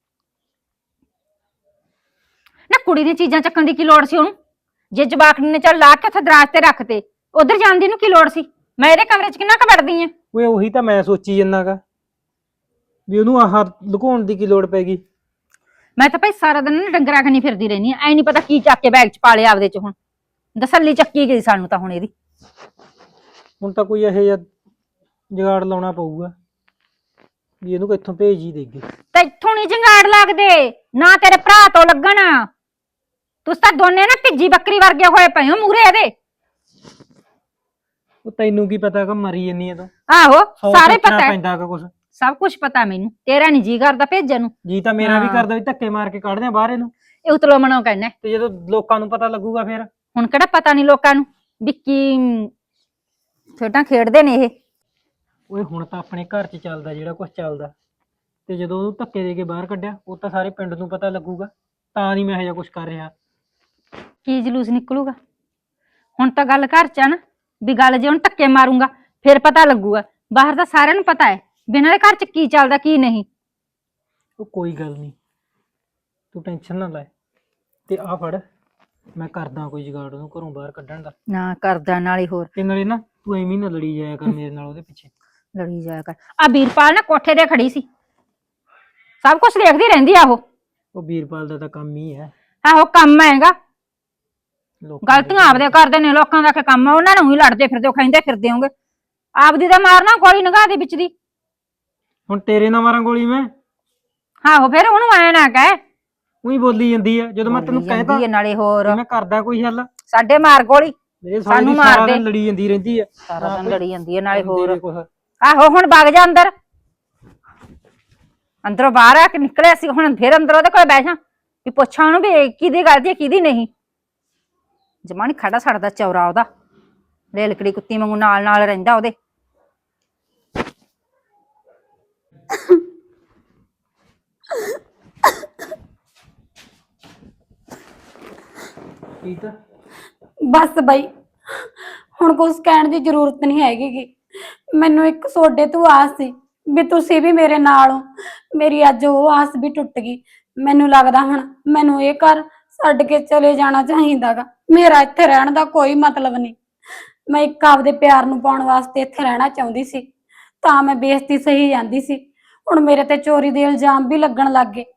[SPEAKER 1] ਨਾ ਕੁੜੀ ਦੀਆਂ ਚੀਜ਼ਾਂ ਚੱਕਣ ਦੀ ਕੀ ਲੋੜ ਸੀ ਉਹਨੂੰ? ਜੇ ਜਵਾਕੜੀ ਨੇ ਚੱਲ ਲਾ ਕੇ ਉੱਥੇ ਦਰਾਜ ਤੇ ਰੱਖਤੇ, ਉਧਰ ਜਾਣ ਦੀ ਨੂੰ ਕੀ ਲੋੜ ਸੀ? ਮੈਂ ਇਹਦੇ ਕਮਰੇ 'ਚ ਕਿੰਨਾ ਕੁ ਵੜਦੀ ਐ।
[SPEAKER 4] ਓਏ ਉਹੀ ਤਾਂ ਮੈਂ ਸੋਚੀ ਜੰਨਾਗਾ ਵੀ ਉਹਨੂੰ ਆਹ ਲੁਕਾਉਣ ਦੀ ਕੀ ਲੋੜ ਪੈ ਗਈ।
[SPEAKER 1] ਮੈਂ ਤਾਂ ਭਾਈ ਸਾਰਾ ਦਿਨ ਨਾ ਡੰਗਰਾਂ ਖਣੀ ਫਿਰਦੀ ਰਹਿੰਦੀ ਆ। ਐ ਨਹੀਂ ਪਤਾ ਕੀ ਚੱਕ ਕੇ ਬੈਗ 'ਚ ਪਾ ਲਿਆ ਆਪਦੇ 'ਚ। ਹੁਣ ਦਸੱਲੀ ਚੱਕੀ ਗਈ ਸਾਨੂੰ ਤਾਂ ਹੁਣ ਇਹਦੀ।
[SPEAKER 4] ਹੁਣ ਤਾਂ ਕੋਈ ਇਹੋ ਜਿਹਾ ਜੁਗਾੜ ਲਾਉਣਾ ਪਊਗਾ ਵੀ ਇਹਨੂੰ ਕਿੱਥੋਂ ਭੇਜ ਹੀ ਦੇਗੇ।
[SPEAKER 1] ਤੇ ਇੱਥੋਂ ਨਹੀਂ ਜੰਗਾੜ ਲੱਗਦੇ ਨਾ, ਤੇਰੇ ਭਰਾ ਤੋਂ ਲੱਗਣ। ਤੁਸੀਂ ਤਾਂ ਦੋਨੇ ਨਾ ਭਿੱਜੀ ਬੱਕਰੀ ਵਰਗੇ ਹੋਏ ਪਏ ਹੋ ਮੂਰੇ ਇਹਦੇ।
[SPEAKER 4] ਉਹ ਤੈਨੂੰ ਕੀ ਪਤਾ ਕਿ ਮਰੀ ਜੰਨੀ ਹੈ ਤੂੰ।
[SPEAKER 1] ਆਹੋ
[SPEAKER 4] ਸੌ
[SPEAKER 1] ਸਾਰੇ
[SPEAKER 4] ਸੋਚਣਾ
[SPEAKER 1] ਪਤਾ ਹੈ,
[SPEAKER 4] ਪੈਂਦਾ ਕਿ ਕੁਛ।
[SPEAKER 1] ਸਭ ਕੁਝ ਪਤਾ ਮੈਨੂੰ। ਤੇਰਾ ਨਹੀਂ ਜੀ ਕਰਦਾ ਭੇਜਣ ਨੂੰ।
[SPEAKER 4] ਜੀ ਤਾਂ ਮੇਰਾ ਵੀ
[SPEAKER 1] ਹਾਂ।
[SPEAKER 4] ਕਰਦਾ ਵੀ ਧੱਕੇ ਮਾਰ ਕੇ ਕੱਢਦੇ ਆ ਬਾਹਰ ਇਹਨੂੰ।
[SPEAKER 1] ਇਹ ਉਤਲੋ ਮਨੋਂ ਕਹਿਣਾ।
[SPEAKER 4] ਤੇ ਜਦੋਂ ਲੋਕਾਂ ਨੂੰ ਪਤਾ ਲੱਗੂਗਾ ਫਿਰ।
[SPEAKER 1] ਹੁਣ ਕਿਹੜਾ ਪਤਾ ਨਹੀਂ ਲੋਕਾਂ ਨੂੰ ਵੀ ਕੀ ਖੇਡਾਂ ਖੇਡਦੇ ਨੇ ਇਹ।
[SPEAKER 4] ਓਏ ਹੁਣ ਤਾਂ ਆਪਣੇ ਘਰ 'ਚ ਚੱਲਦਾ ਜਿਹੜਾ ਕੁਝ ਚੱਲਦਾ, ਤੇ ਜਦੋਂ ਉਹਨੂੰ ਧੱਕੇ ਦੇ ਕੇ ਬਾਹਰ ਕੱਢਿਆ ਉਹ ਤਾਂ ਸਾਰੇ ਪਿੰਡ ਨੂੰ ਪਤਾ ਲੱਗੂਗਾ। ਤਾਂ ਨਹੀਂ ਮੈਂ ਇਹੋ ਜਿਹਾ ਕੁਝ ਕਰ ਰਿਹਾ।
[SPEAKER 1] ਕੀ ਜਲੂਸ ਨਿਕਲੂਗਾ? ਹੁਣ ਤਾਂ ਗੱਲ ਘਰ 'ਚ ਆ ਨਾ, ਵੀ ਗੱਲ ਜੇ ਹੁਣ ਧੱਕੇ ਮਾਰੂੰਗਾ ਫਿਰ ਪਤਾ ਲੱਗੂਗਾ। ਬਾਹਰ ਤਾਂ ਸਾਰਿਆਂ ਨੂੰ ਪਤਾ ਹੈ ਵੀ ਇਹਨਾਂ ਦੇ ਘਰ 'ਚ ਕੀ ਚੱਲਦਾ ਕੀ ਨਹੀਂ।
[SPEAKER 4] ਉਹ ਕੋਈ ਗੱਲ ਨਹੀਂ, ਤੂੰ ਟੈਨਸ਼ਨ ਨਾ ਲੈ। ਤੇ ਆ ਫੜ, ਮੈਂ ਕਰਦਾ ਕੋਈ ਜੁਗਾੜ ਉਹਨੂੰ ਘਰੋਂ ਬਾਹਰ ਕੱਢਣ ਦਾ।
[SPEAKER 1] ਨਾ ਕਰਦਾ ਨਾਲੇ ਹੋਰ
[SPEAKER 4] ਤੇ ਨਾਲੇ ਨਾ ਤੂੰ ਐਵੇਂ ਨਾ ਲੜੀ ਜਾਇਆ ਕਰ ਮੇਰੇ ਨਾਲ ਉਹਦੇ ਪਿੱਛੇ।
[SPEAKER 1] ਲੜੀ ਜਾਇਆ ਕਰ। ਆ ਵੀਰਪਾਲ ਨਾ ਕੋਠੇ ਤੇ ਖੜੀ ਸੀ, ਸਭ ਕੁਝ ਦੇਖਦੀ ਰਹਿੰਦੀ ਆ ਉਹ।
[SPEAKER 4] ਉਹ ਵੀਰਪਾਲ ਦਾ ਤਾਂ ਕੰਮ ਹੀ ਹੈ।
[SPEAKER 1] ਆਹੋ ਕੰਮ ਹੈਗਾ।
[SPEAKER 4] ਲੋਕਾਂ ਦੇ
[SPEAKER 1] ਗਲਤੀਆਂ ਆਪਦੇ ਕਰਦੇ ਨੇ, ਲੋਕਾਂ ਦਾ ਕੀ ਕੰਮ ਆ? ਉਹਨਾਂ ਨੂੰ ਹੀ ਲੜਦੇ ਫਿਰਦੇ ਹੋ, ਕਹਿੰਦੇ ਫਿਰਦੇ ਹੋਗੇ। ਆਪਦੀ ਤਾਂ ਮਾਰਨਾ ਗੋਲੀ ਨਿਗਾਹ ਦੇ ਵਿੱਚ ਦੀ।
[SPEAKER 4] ਹੁਣ ਤੇਰੇ ਨਾਲ ਮਾਰਾਂ ਗੋਲੀ ਮੈਂ?
[SPEAKER 1] ਆਹੋ ਫਿਰ ਉਹਨੂੰ ਐ ਨਾ ਕਹਿ
[SPEAKER 4] ਉਹੀ ਬੋਲੀ ਜਾਂਦੀ ਆ ਜਦੋਂ ਮੈਂ ਤੈਨੂੰ
[SPEAKER 1] ਬੋਲੀ
[SPEAKER 4] ਕਹਿਤਾ
[SPEAKER 1] ਜਾਂਦੀ ਹੈ ਨਾਲੇ ਹੋਰ
[SPEAKER 4] ਮੈਂ ਕਰਦਾ ਕੋਈ ਹੱਲ
[SPEAKER 1] ਸਾਡੇ ਮਾਰ ਗੋਲੀ
[SPEAKER 4] ਮੇਰੇ ਸਾਲੇ
[SPEAKER 1] ਸਾਨੂੰ
[SPEAKER 4] ਦੀ
[SPEAKER 1] ਮਾਰ
[SPEAKER 4] ਸਾਰਾ
[SPEAKER 1] ਦੇ।
[SPEAKER 4] ਦਿਨ ਲੜੀ ਜਾਂਦੀ ਰਹਿੰਦੀ ਆ
[SPEAKER 1] ਸਾਰਾ
[SPEAKER 4] ਨਾ
[SPEAKER 1] ਦਿਨ
[SPEAKER 4] ਕੋਈ
[SPEAKER 1] ਲੜੀ ਜਾਂਦੀ ਹੈ ਨਾਲੇ
[SPEAKER 4] ਹੁੰਦੀ
[SPEAKER 1] ਹੋਰ
[SPEAKER 4] ਨੀ ਕੁਛ।
[SPEAKER 1] ਆਹੋ ਹੁਣ ਵਗ ਜਾ ਅੰਦਰ ਅੰਦਰੋਂ ਬਾਹਰ ਆ ਕੇ ਨਿਕਲਿਆ ਸੀ ਹੁਣ ਫਿਰ ਅੰਦਰ ਉਹਦੇ ਕੋਲ ਬਹਿ ਜਾ ਵੀ ਪੁੱਛਾਂ ਉਹਨੂੰ ਵੀ ਕਿਹਦੀ ਗਲਤੀ ਹੈ ਕਿਹਦੀ ਨਹੀਂ ਜਮਾਨੀ ਖੜਾ ਛੱਡਦਾ ਚੌਰਾ ਉਹਦਾ ਰੇਲਕੜੀ ਕੁੱਤੀ ਵਾਂਗੂ ਨਾਲ ਨਾਲ ਰਹਿੰਦਾ ਉਹਦੇ
[SPEAKER 4] ਠੀਕ ਆ
[SPEAKER 5] ਬਸ ਬਾਈ ਹੁਣ ਕੁਝ ਕਹਿਣ ਦੀ ਜ਼ਰੂਰਤ ਨਹੀਂ ਹੈਗੀ ਗੀ। ਮੈਨੂੰ ਇੱਕ ਸੋਡੇ ਤੋਂ ਆਸ ਸੀ ਵੀ ਤੁਸੀਂ ਵੀ ਮੇਰੇ ਨਾਲ ਹੋ। ਮੇਰੀ ਅੱਜ ਉਹ ਆਸ ਵੀ ਟੁੱਟ ਗਈ। ਮੈਨੂੰ ਲੱਗਦਾ ਹੁਣ ਮੈਨੂੰ ਇਹ ਘਰ ਛੱਡ ਕੇ ਚਲੇ ਜਾਣਾ ਚਾਹੀਦਾਗਾ। ਮੇਰਾ ਇੱਥੇ ਰਹਿਣ ਦਾ ਕੋਈ ਮਤਲਬ ਨਹੀਂ। ਮੈਂ ਇੱਕ ਆਪਦੇ ਪਿਆਰ ਨੂੰ ਪਾਉਣ ਵਾਸਤੇ ਇੱਥੇ ਰਹਿਣਾ ਚਾਹੁੰਦੀ ਸੀ ਤਾਂ ਮੈਂ ਬੇਇੱਜ਼ਤੀ ਸਹੀ ਜਾਂਦੀ ਸੀ। ਹੁਣ ਮੇਰੇ ਤੇ ਚੋਰੀ ਦੇ ਇਲਜ਼ਾਮ ਵੀ ਲੱਗਣ ਲੱਗ ਗਏ।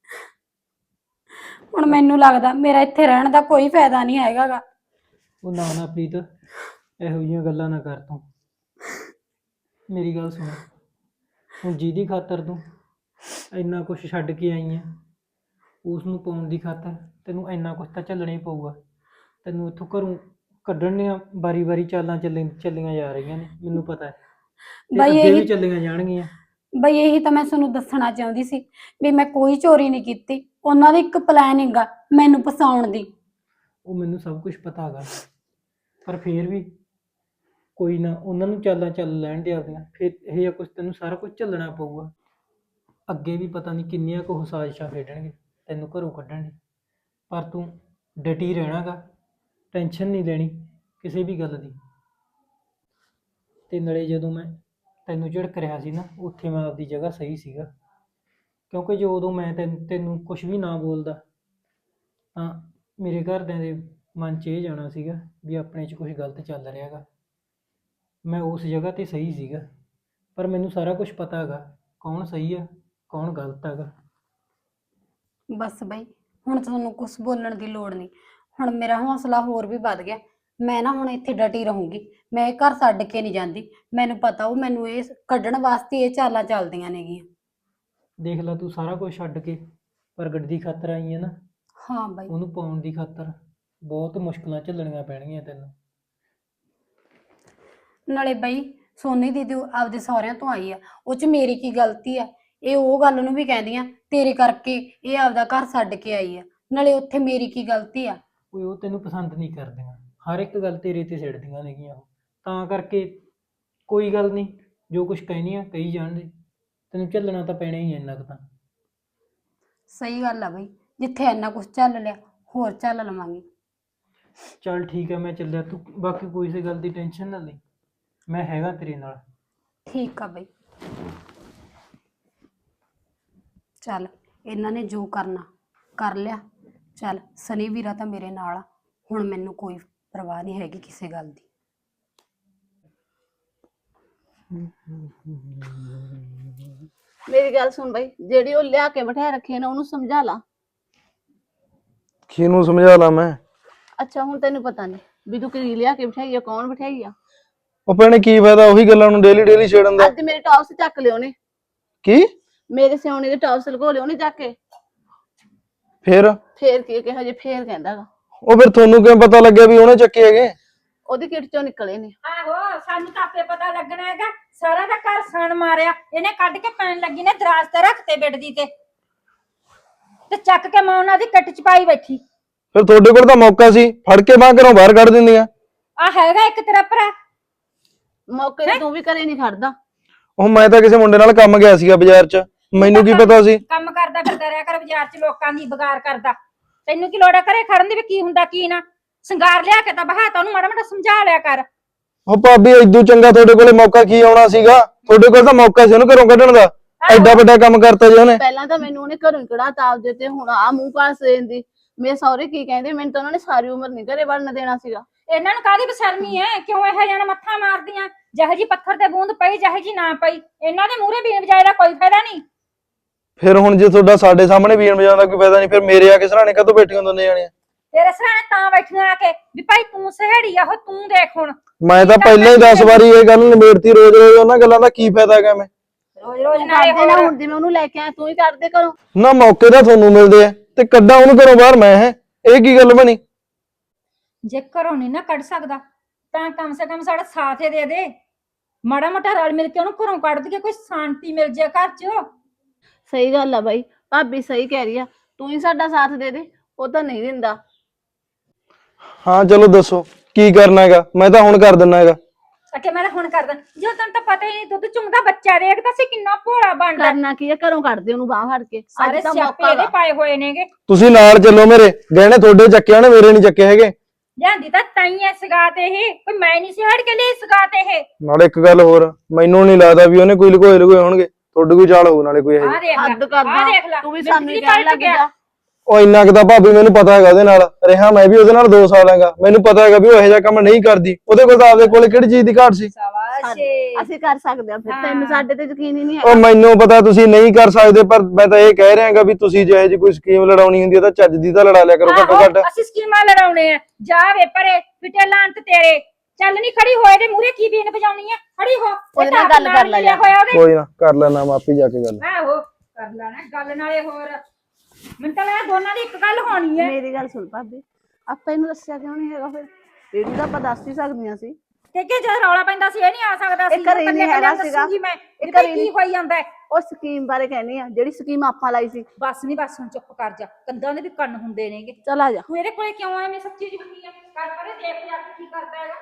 [SPEAKER 5] ਹੁਣ ਮੈਨੂੰ ਲੱਗਦਾ ਮੇਰਾ ਇੱਥੇ ਰਹਿਣ ਦਾ ਕੋਈ ਫਾਇਦਾ ਨਹੀਂ ਹੈਗਾਗਾ।
[SPEAKER 4] ਉਹ ਨਾ ਨਾ ਪ੍ਰੀਤ ਇਹੋ ਜਿਹੀਆਂ ਗੱਲਾਂ ਨਾ ਕਰ ਤੂੰ ਮੇਰੀ ਗੱਲ ਸੁਣ ਹੁਣ ਜਿਹਦੀ ਖਾਤਰ ਤੂੰ ਇੰਨਾ ਕੁਛ ਛੱਡ ਕੇ ਆਈ ਹੈ ਉਸ ਨੂੰ ਪਾਉਣ ਦੀ ਖਾਤਰ ਤੈਨੂੰ ਇੰਨਾ ਕੁਛ ਤਾਂ ਝੱਲਣਾ ਹੀ ਪਊਗਾ। ਤੈਨੂੰ ਇੱਥੋਂ ਘਰੋਂ ਕੱਢਣ ਦੀਆਂ ਵਾਰੀ ਵਾਰੀ ਚਾਲਾਂ ਚੱਲੀ ਚੱਲੀਆਂ ਜਾ ਰਹੀਆਂ ਨੇ ਮੈਨੂੰ ਪਤਾ ਹੈ ਤੇ
[SPEAKER 5] ਬਾਈ
[SPEAKER 4] ਅੱਗੇ ਵੀ
[SPEAKER 5] ਇਹੀ
[SPEAKER 4] ਚੱਲੀਆਂ ਜਾਣਗੀਆਂ।
[SPEAKER 5] ਬਈ ਇਹੀ ਤਾਂ ਮੈਂ ਤੁਹਾਨੂੰ ਦੱਸਣਾ ਚਾਹੁੰਦੀ ਸੀ ਵੀ ਮੈਂ ਕੋਈ ਚੋਰੀ ਨਹੀਂ ਕੀਤੀ। ਉਹਨਾਂ ਦਾ ਇੱਕ ਪਲਾਨਿੰਗ ਆ ਮੈਨੂੰ ਫਸਾਉਣ ਦੀ।
[SPEAKER 4] ਉਹ ਮੈਨੂੰ ਸਭ ਕੁਝ ਪਤਾ ਹੈਗਾ ਪਰ ਫੇਰ ਵੀ ਕੋਈ ਨਾ ਉਹਨਾਂ ਨੂੰ ਚਾਲਾਂ ਚੱਲ ਲੈਣ ਦੇ ਆਪਦੀਆਂ ਫਿਰ ਇਹ ਜਿਹਾ ਕੁਛ ਤੈਨੂੰ ਸਾਰਾ ਕੁਝ ਝੱਲਣਾ ਪਊਗਾ। ਅੱਗੇ ਵੀ ਪਤਾ ਨਹੀਂ ਕਿੰਨੀਆਂ ਕੁ ਉਹ ਸਾਜ਼ਿਸ਼ਾਂ ਖੇਡਣਗੇ ਤੈਨੂੰ ਘਰੋਂ ਕੱਢਣ ਦੀ ਪਰ ਤੂੰ ਡਟੀ ਰਹਿਣਾਗਾ ਟੈਨਸ਼ਨ ਨਹੀਂ ਲੈਣੀ ਕਿਸੇ ਵੀ ਗੱਲ ਦੀ। ਤੇ ਨਾਲੇ ਜਦੋਂ ਮੈਂ ਤੈਨੂੰ ਝਿੜਕ ਰਿਹਾ ਸੀ ਨਾ ਉੱਥੇ ਮੈਂ ਆਪਦੀ ਜਗ੍ਹਾ ਸਹੀ ਸੀਗਾ ਕਿਉਂਕਿ ਜੋ ਉਦੋਂ ਮੈਂ ਤੈਨੂੰ ਤੈਨੂੰ ਕੁਛ ਵੀ ਨਾ ਬੋਲਦਾ ਤਾਂ ਮੇਰੇ ਘਰਦਿਆਂ ਦੇ ਮਨ 'ਚ ਇਹ ਜਾਣਾ ਸੀਗਾ ਵੀ ਆਪਣੇ 'ਚ ਕੁਛ ਗਲਤ ਚੱਲ ਰਿਹਾ ਗਾ। ਮੈਂ ਉਸ ਜਗ੍ਹਾ 'ਤੇ ਸਹੀ ਸੀਗਾ ਪਰ ਮੈਨੂੰ ਸਾਰਾ ਕੁਝ ਪਤਾ ਹੈਗਾ ਕੌਣ ਸਹੀ ਆ ਕੌਣ ਗਲਤ ਹੈਗਾ।
[SPEAKER 5] ਬਸ ਬਈ ਹੁਣ ਤੁਹਾਨੂੰ ਕੁਝ ਬੋਲਣ ਦੀ ਲੋੜ ਨਹੀਂ। ਹੁਣ ਮੇਰਾ ਹੌਸਲਾ ਹੋਰ ਵੀ ਵੱਧ ਗਿਆ। ਮੈਂ ਨਾ ਹੁਣ ਇੱਥੇ ਡਟੀ ਰਹੂੰਗੀ। ਮੈਂ ਇਹ ਘਰ ਛੱਡ ਕੇ ਨਹੀਂ ਜਾਂਦੀ। ਮੈਨੂੰ ਪਤਾ ਉਹ ਮੈਨੂੰ ਇਹ ਕੱਢਣ ਵਾਸਤੇ ਇਹ ਚਾਲਾਂ ਚੱਲਦੀਆਂ ਨੇਗੀਆਂ।
[SPEAKER 4] ਦੇਖ ਲੈ ਤੂੰ ਸਾਰਾ ਕੁਝ ਛੱਡ ਕੇ ਪ੍ਰਗਟ ਦੀ ਖਾਤਰ ਆਈ ਹੈ ਨਾ
[SPEAKER 5] ਹਾਂ ਬਾਈ
[SPEAKER 4] ਉਹਨੂੰ ਪਾਉਣ ਦੀ ਖਾਤਰ ਬਹੁਤ ਮੁਸ਼ਕਲਾਂ ਝੱਲਣੀਆਂ ਪੈਣਗੀਆਂ ਤੈਨੂੰ।
[SPEAKER 5] ਨਾਲੇ ਬਈ ਸੋਨੀ ਦੀਦੀ ਉਹ ਆਪਦੇ ਸਹੁਰਿਆਂ ਤੋਂ ਆਈ ਆ ਉਹ 'ਚ ਮੇਰੀ ਕੀ ਗਲਤੀ ਆ। ਇਹ ਉਹ ਗੱਲ ਨੂੰ ਵੀ ਕਹਿੰਦੀਆਂ ਤੇਰੇ ਕਰਕੇ ਇਹ ਆਪਦਾ ਘਰ ਛੱਡ ਕੇ ਆਈ ਆ। ਨਾਲੇ ਉੱਥੇ ਮੇਰੀ ਕੀ ਗਲਤੀ ਆ।
[SPEAKER 4] ਕੋਈ ਉਹ ਤੈਨੂੰ ਪਸੰਦ ਨਹੀਂ ਕਰਦੀਆਂ ਹਰ ਇੱਕ ਗੱਲ ਤੇਰੇ ਤੇ ਸਿੱਟਦੀਆਂ ਨੇਗੀਆਂ ਉਹ ਤਾਂ ਕਰਕੇ ਕੋਈ ਗੱਲ ਨਹੀਂ ਜੋ ਕੁਝ ਕਹਿਣੀ ਆ ਕਹੀ ਜਾਣ ਦੇ ਤੈਨੂੰ ਝੱਲਣਾ ਤਾਂ ਪੈਣਾ ਹੀ ਹੈ ਇੰਨਾ ਕੁ ਤਾਂ।
[SPEAKER 5] ਸਹੀ ਗੱਲ ਆ ਬਈ ਜਿੱਥੇ ਇੰਨਾ ਕੁਝ ਚੱਲ ਲਿਆ ਹੋਰ ਚੱਲ ਲਵਾਂਗੀ।
[SPEAKER 4] ਚੱਲ ਠੀਕ ਹੈ ਮੈਂ ਚੱਲਿਆ ਤੂੰ ਬਾਕੀ ਕੋਈ ਸੇ ਗੱਲ ਦੀ ਟੈਨਸ਼ਨ ਨਾ ਲਈ ਮੈਂ ਹੈਗਾ ਤੇਰੇ ਨਾਲ।
[SPEAKER 5] ਠੀਕ ਆ ਬਈ ਚੱਲ ਇਹਨਾਂ ਨੇ ਜੋ ਕਰਨਾ ਕਰ ਲਿਆ। ਚੱਲ ਸਨੀ ਵੀਰਾ ਤਾਂ ਮੇਰੇ ਨਾਲ ਆ ਹੁਣ ਮੈਨੂੰ ਕੋਈ ਪਰਵਾਹ ਨਹੀਂ ਹੈਗੀ ਕਿਸੇ ਗੱਲ ਦੀ।
[SPEAKER 2] ਮੇਰੀ ਗੱਲ ਸੁਣ ਬਾਈ ਜਿਹੜੀ ਉਹ ਲਿਆ ਕੇ ਬਿਠਾ ਰੱਖੀ ਹੈ ਨਾ ਉਹਨੂੰ ਸਮਝਾ ਲਾ।
[SPEAKER 3] ਕਿਹਨੂੰ ਸਮਝਾ ਲਾਂ ਮੈਂ?
[SPEAKER 2] ਅੱਛਾ ਹੁਣ ਤੈਨੂੰ ਪਤਾ ਨਹੀਂ ਵੀ ਤੂੰ ਕੀ ਲਿਆ ਕੇ ਬਿਠਾਈ ਆ ਕੌਣ ਬਿਠਾਈ ਆ।
[SPEAKER 3] ਉਹ ਭੈਣੇ ਕੀ ਫਾਇਦਾ ਉਹੀ ਗੱਲਾਂ ਨੂੰ ਡੇਲੀ ਡੇਲੀ ਛੇੜਨ ਦਾ।
[SPEAKER 2] ਅੱਜ ਮੇਰੇ ਟੌਪਸ ਚੱਕ ਲਿਓ ਨੇ
[SPEAKER 3] ਕੀ
[SPEAKER 2] ਮੇਰੇ ਸਿਉਣੇ ਦੇ ਟੌਪਸ ਲਗੋ ਲਿਓ ਨੇ ਚੱਕ ਕੇ।
[SPEAKER 3] ਫੇਰ
[SPEAKER 2] ਫੇਰ ਕੀ ਕਿਹਾ ਜੇ ਫੇਰ ਕਹਿੰਦਾ ਗਾ
[SPEAKER 3] ਉਹ ਫਿਰ ਤੁਹਾਨੂੰ ਕਿਵੇਂ ਪਤਾ ਲੱਗਿਆ ਵੀ ਉਹਨੇ ਚੱਕੇ ਹੈਗੇ?
[SPEAKER 2] ਉਹਦੀ ਕਿਟ ਚੋਂ ਨਿਕਲੇ ਨੇ।
[SPEAKER 1] ਆਹੋ ਸਾਨੂੰ ਤਾਂ ਆਪੇ ਪਤਾ ਲੱਗਣਾ ਹੈਗਾ ਸਾਰਾ ਦਾ ਘਰ ਸਣ ਮਾਰਿਆ ਇਹਨੇ ਕੱਢ ਕੇ ਪੈਣ ਲੱਗੀ ਨੇ ਦਰਾਜ਼ ਤੇ ਰੱਖਤੇ ਬੈੱਡ ਦੀ ਤੇ ਤੇ ਚੱਕ ਕੇ ਮੈਂ ਉਹਨਾਂ ਦੀ ਕੱਟ ਚ ਪਾਈ ਬੈਠੀ।
[SPEAKER 3] ਫਿਰ ਤੁਹਾਡੇ ਕੋਲ ਤਾਂ ਮੌਕਾ ਸੀ ਫੜ ਕੇ ਬਾਹਰ ਘਰੋਂ ਬਾਹਰ ਕੱਢ ਦਿੰਦੀਆਂ।
[SPEAKER 1] ਆ ਹੈਗਾ ਇੱਕ ਤੇਰਾ ਭਰਾ
[SPEAKER 2] ਮੌਕੇ ਤੇ ਤੂੰ ਵੀ ਘਰੇ ਨਹੀਂ ਖੜਦਾ।
[SPEAKER 3] ਉਹ ਮੈਂ ਤਾਂ ਕਿਸੇ ਮੁੰਡੇ ਨਾਲ ਕੰਮ ਗਿਆ ਸੀਗਾ ਬਾਜ਼ਾਰ 'ਚ ਮੈਨੂੰ ਕੀ ਪਤਾ ਸੀ।
[SPEAKER 1] ਕੰਮ ਕਰਦਾ ਫਿਰਦਾ ਰਿਹਾ ਕਰ ਬਾਜ਼ਾਰ ਚ ਲੋਕਾਂ ਦੀ ਬਗਾਰ ਕਰਦਾ ਤੈਨੂੰ ਕੀ ਲੋੜ ਹੈ ਘਰੇ ਖੜਨ ਦੀ ਵੀ ਕੀ ਹੁੰਦਾ ਕੀ ਨਾ ਸਿੰਗਾਰ ਲਿਆ ਕੇ ਤਾਂ ਬਹਾਤਾ ਉਹਨੂੰ ਮਾੜਾ ਮਾੜਾ ਸਮਝਾ ਲਿਆ ਕਰ।
[SPEAKER 3] ਉਹ ਭਾਬੀ ਇਦੋਂ ਚੰਗਾ ਤੁਹਾਡੇ ਕੋਲੇ ਮੌਕਾ ਕੀ ਆਉਣਾ ਸੀਗਾ? ਤੁਹਾਡੇ ਕੋਲ ਤਾਂ ਮੌਕਾ ਸੀ ਉਹਨੂੰ ਘਰੋਂ ਕੱਢਣ ਦਾ। ਐਡਾ ਵੱਡਾ ਕੰਮ ਕਰਤਾ ਜੀ ਉਹਨੇ।
[SPEAKER 2] ਪਹਿਲਾਂ ਤਾਂ ਮੈਨੂੰ ਉਹਨੇ ਘਰੋਂ ਕਢਾਤਾ ਆਪਦੇ ਤੇ ਹੁਣ ਆ ਮੂੰਹ ਪਾਸ ਦੇਂਦੀ। ਮੇਰੇ ਸਹੁਰੇ ਕੀ ਕਹਿੰਦੇ ਮੈਨੂੰ ਤਾਂ ਉਹਨਾਂ ਨੇ ਸਾਰੀ ਉਮਰ ਨਹੀਂ ਘਰੇ ਵੜਨ ਦੇਣਾ ਸੀਗਾ।
[SPEAKER 1] ਇਹਨਾਂ ਨੂੰ ਕਾਹਦੀ ਬਸ਼ਰਮੀ ਐ ਕਿਉਂ ਇਹੋ ਜਿਹਾ ਮੱਥਾ ਮਾਰਦੀਆਂ ਜਿਹੋ ਜੀ ਪੱਥਰ ਤੇ ਬੂੰਦ ਪਈ ਜਿਹੋ ਜੀ ਨਾ ਪਈ ਇਹਨਾਂ ਦੇ ਮੂਹਰੇ ਬੀਨ ਵਜਾਏ ਦਾ ਕੋਈ ਫਾਇਦਾ ਨਹੀਂ।
[SPEAKER 3] ਫਿਰ ਹੁਣ ਜੇ ਤੁਹਾਡਾ ਸਾਡੇ ਸਾਹਮਣੇ ਬੀਨ ਵਜਾਉਣ ਦਾ ਕੋਈ ਫਾਇਦਾ ਨਹੀਂ ਫਿਰ ਮੇਰੇ ਆ ਕੇ ਸਰਾਣੇ ਕਦੋਂ ਬੈਠੀਆਂ ਦੋਨੇ ਜਾਣੀਆਂ?
[SPEAKER 1] ਤੇਰੇ ਸਰਾਣੇ ਤਾਂ ਬੈਠੀਆਂ ਆ ਕੇ ਵੀ ਭਾਈ ਤੂੰ ਸਹੇੜੀ ਆ ਉਹ ਤੂੰ ਦੇਖ ਹੁਣ।
[SPEAKER 3] ਮੈਂ ਤਾਂ ਪਹਿਲਾਂ ਹੀ ਦਸ ਵਾਰੀ ਇਹ ਗੱਲ ਨਿਬੇੜਤੀ ਰੋਜ਼ ਰੋਜ਼ ਉਹਨਾਂ ਗੱਲਾਂ ਦਾ ਕੀ ਫਾਇਦਾ ਹੈਗਾ? ਮੈਂ
[SPEAKER 1] ਰੋਜ਼ ਰੋਜ਼
[SPEAKER 2] ਤੂੰ
[SPEAKER 1] ਨਾਲੇ
[SPEAKER 2] ਕਰਦੇ ਨਾ
[SPEAKER 1] ਹੋਰ
[SPEAKER 2] ਹੁਣ ਜਿਵੇਂ ਉਹਨੂੰ ਲੈ ਕੇ ਆਇਆ ਤੂੰ ਹੀ ਕਰਦੇ ਘਰੋਂ।
[SPEAKER 3] ਨਾ ਮੌਕੇ ਤਾਂ ਤੁਹਾਨੂੰ ਮਿਲਦੇ ਆ ਤੇ ਕੱਢਾਂ ਉਹਨੂੰ ਘਰੋਂ ਬਾਹਰ ਮੈਂ ਹੈ? ਇਹ ਕੀ ਗੱਲ ਬਣੀ?
[SPEAKER 1] ਜੇ ਘਰੋਂ ਨਹੀਂ ਨਾ ਕੱਢ ਸਕਦਾ ਤਾਂ ਕਮ ਸੇ ਕਮ ਸਾਡਾ ਸਾਥ ਹੀ ਦੇ ਦੇ। ਮਾੜਾ ਮੋਟਾ ਰਲ ਮਿਲ ਕੇ ਉਹਨੂੰ ਘਰੋਂ ਕੱਢ ਦਈਏ, ਕੋਈ ਸ਼ਾਂਤੀ ਮਿਲ ਜੇ ਘਰ 'ਚ।
[SPEAKER 2] ਸਹੀ ਗੱਲ ਆ ਬਾਈ, ਭਾਬੀ ਸਹੀ ਕਹਿ ਰਹੀ ਆ, ਤੂੰ ਹੀ ਸਾਡਾ ਸਾਥ ਦੇ ਦੇ, ਉਹ ਤਾਂ ਨਹੀਂ ਦਿੰਦਾ।
[SPEAKER 3] ਹਾਂ ਚਲੋ ਦੱਸੋ ਕੀ ਕਰਨਾ ਹੈਗਾ, ਮੈਂ ਤਾਂ ਹੁਣ ਕਰ ਦਿੰਨਾ ਹੈਗਾ।
[SPEAKER 1] ਅਕੇ ਮੈਂ ਤਾਂ ਹੁਣ ਕਰਦਾ, ਜੋ ਤੈਨੂੰ ਤਾਂ ਪਤਾ ਹੀ ਨਹੀਂ, ਦੁੱਧ ਚੁੰਗਦਾ ਬੱਚਾ ਦੇਖਦਾ ਸੀ ਕਿੰਨਾ ਭੋਲਾ ਬਣਦਾ।
[SPEAKER 2] ਕਰਨਾ ਕੀ ਆ, ਘਰੋਂ ਕੱਢ ਦੇ ਉਹਨੂੰ ਬਾਹਰ ਫੜ ਕੇ,
[SPEAKER 1] ਸਾਰੇ
[SPEAKER 2] ਅੱਜ ਤਾਂ
[SPEAKER 1] ਸਿਆਪੇ
[SPEAKER 2] ਮੌਕਾ
[SPEAKER 1] ਇਹਦੇ
[SPEAKER 2] ਵਾ।
[SPEAKER 1] ਪਾਏ ਹੋਏ ਨੇਗੇ।
[SPEAKER 3] ਤੁਸੀਂ ਨਾਲ ਚੱਲੋ, ਮੇਰੇ ਗਹਿਣੇ ਤੁਹਾਡੇ ਚੱਕੇ ਨੇ, ਮੇਰੇ ਨਹੀਂ ਚੱਕੇ ਹੈਗੇ।
[SPEAKER 1] ਲਿਆਂਦੀ ਤਾਂ ਤਾਈ ਐ ਸਗਾ ਤੇ ਇਹ, ਕੋਈ ਮੈਂ ਨਹੀਂ ਸੀ ਹੜ ਕੇ ਲਈ ਸਗਾ ਤੇ ਇਹ।
[SPEAKER 3] ਨਾਲੇ ਇੱਕ ਗੱਲ ਹੋਰ, ਮੈਨੂੰ ਨਹੀਂ ਲੱਗਦਾ ਵੀ ਉਹਨੇ ਕੋਈ ਲੁਕੋਏ ਲੁਕੋਏ ਹੋਣਗੇ, ਤੁਹਾਡੇ ਕੋਈ ਚਾਲ ਹੋਊ ਨਾਲੇ ਕੋਈ ਇਹ।
[SPEAKER 1] ਆਹ ਦੇਖ ਲੈ,
[SPEAKER 2] ਹੱਦ ਕਰਦਾ,
[SPEAKER 1] ਆਹ ਦੇਖ ਲੈ,
[SPEAKER 2] ਤੂੰ ਵੀ
[SPEAKER 1] ਮਿੰਟ
[SPEAKER 2] ਸਾਨੂੰ ਹੀ
[SPEAKER 1] ਦੀ
[SPEAKER 2] ਕਹਿਣ
[SPEAKER 1] ਪਲਟ
[SPEAKER 2] ਲੱਗ
[SPEAKER 1] ਗਿਆ।
[SPEAKER 2] ਜਾ।
[SPEAKER 3] ਉਹ ਇੰਨਾ ਕੁ ਤਾਂ ਭਾਬੀ ਮੈਨੂੰ ਪਤਾ ਹੈਗਾ ਉਹਦੇ ਨਾਲ ਰਿਹਾ, ਮੈਂ ਵੀ ਉਹਦੇ ਨਾਲ ਦੋ ਸਾਲ ਹੈਗਾ, ਮੈਨੂੰ ਪਤਾ ਹੈਗਾ ਵੀ ਉਹ ਇਹੋ ਜਿਹਾ ਕੰਮ ਨਹੀਂ ਕਰਦੀ। ਉਹਦੇ ਕੋਲ ਤਾਂ ਆਪਦੇ ਕੋਲ ਕਿਹੜੀ ਚੀਜ਼ ਦੀ ਘਾਟ ਸੀ।
[SPEAKER 1] ਸ਼ਾਬਾਸ਼।
[SPEAKER 2] ਅਸੀਂ ਕਰ ਸਕਦੇ ਆ, ਫਿਰ ਤੈਨੂੰ ਸਾਡੇ ਤੇ ਯਕੀਨ ਹੀ ਨਹੀਂ
[SPEAKER 3] ਉਹ
[SPEAKER 2] ਹੈ।
[SPEAKER 3] ਮੈਨੂੰ ਪਤਾ ਤੁਸੀਂ ਨਹੀਂ ਕਰ ਸਕਦੇ, ਪਰ ਮੈਂ ਤਾਂ ਇਹ ਕਹਿ ਰਿਹਾਗਾ ਵੀ ਤੁਸੀਂ ਜਿਹੇ ਜੀ ਕੋਈ ਸਕੀਮ ਲੜਾਉਣੀ ਹੁੰਦੀ ਹੈ ਤਾਂ ਚੱਜ ਦੀ ਤਾਂ ਲੜਾ ਲਿਆ ਕਰੋ ਘੱਟੋ ਘੱਟ।
[SPEAKER 1] ਅਸੀਂ ਸਕੀਮਾਂ ਲੜਾਉਣੇ ਆ, ਜਾ ਵੇ ਪਰੇ ਫਿੱਟੇ ਲਾਂਤ ਤੇਰੇ। ਚੱਲ ਨਹੀਂ ਖੜੀ ਹੋਏ ਤੇ ਮੂਰੇ ਕੀ ਬੀਨ ਵਜਾਉਣੀ ਆ, ਖੜੀ ਹੋ।
[SPEAKER 2] ਉਹਦੇ ਨਾਲ ਗੱਲ ਕਰ ਲੈ ਜਾ।
[SPEAKER 3] ਕੋਈ ਨਾ ਕਰ ਲੈਣਾ ਮਾਪੀ ਜਾ ਕੇ ਗੱਲ।
[SPEAKER 1] ਆਹੋ ਕਰ ਲੈਣਾ ਗੱਲ, ਨਾਲੇ ਹੋਰ ਮੈਨੂੰ ਤਾਂ ਲੱਗਦਾ ਦੋਨਾਂ ਦੀ ਇੱਕ ਗੱਲ ਹੋਣੀ ਹੈ।
[SPEAKER 2] ਮੇਰੀ ਗੱਲ ਸੁਣ ਭਾਬੀ, ਆਪਾਂ ਇਹਨੂੰ ਦੱਸਿਆ ਕਿਉਂ ਨਹੀਂ ਹੈਗਾ? ਫਿਰ ਇਹਨੂੰ ਤਾਂ ਆਪਾਂ ਦੱਸ ਹੀ ਸਕਦੀਆਂ ਸੀ।
[SPEAKER 1] ਕਿ ਕਿ ਜਦ ਰੌਲਾ ਪੈਂਦਾ ਸੀ ਇਹ ਨਹੀਂ ਆ ਸਕਦਾ ਸੀ।
[SPEAKER 2] ਇਹ ਘਰੇ ਨਹੀਂ ਹੈਗਾ ਸੀਗਾ।
[SPEAKER 1] ਮੈਂ
[SPEAKER 2] ਇਹ
[SPEAKER 1] ਇਹ
[SPEAKER 2] ਘਰੇ
[SPEAKER 1] ਕੀ
[SPEAKER 2] ਨਹੀਂ।
[SPEAKER 1] ਹੋਈ ਜਾਂਦਾ ਹੈ।
[SPEAKER 2] ਉਹ ਸਕੀਮ ਬਾਰੇ ਕਹਿੰਦੀ ਆ, ਜਿਹੜੀ ਸਕੀਮ ਆਪਾਂ ਲਾਈ ਸੀ।
[SPEAKER 1] ਬਸ ਨਹੀਂ, ਬਸ ਹੁਣ ਚੁੱਪ ਕਰ ਜਾ, ਕੰਦਾਂ ਦੇ ਵੀ ਕੰਨ ਹੁੰਦੇ ਨੇਗੇ।
[SPEAKER 2] ਚੱਲ ਆ ਜਾ।
[SPEAKER 1] ਤੂੰ ਇਹਦੇ ਕੋਲੇ ਕਿਉਂ ਐਵੇਂ ਸੱਚੀ ਜੁੱਤੀ ਆ? ਕਰ ਪਰੇ ਦੇਖ ਜਾ ਕੇ ਕੀ ਕਰਦਾ ਹੈਗਾ।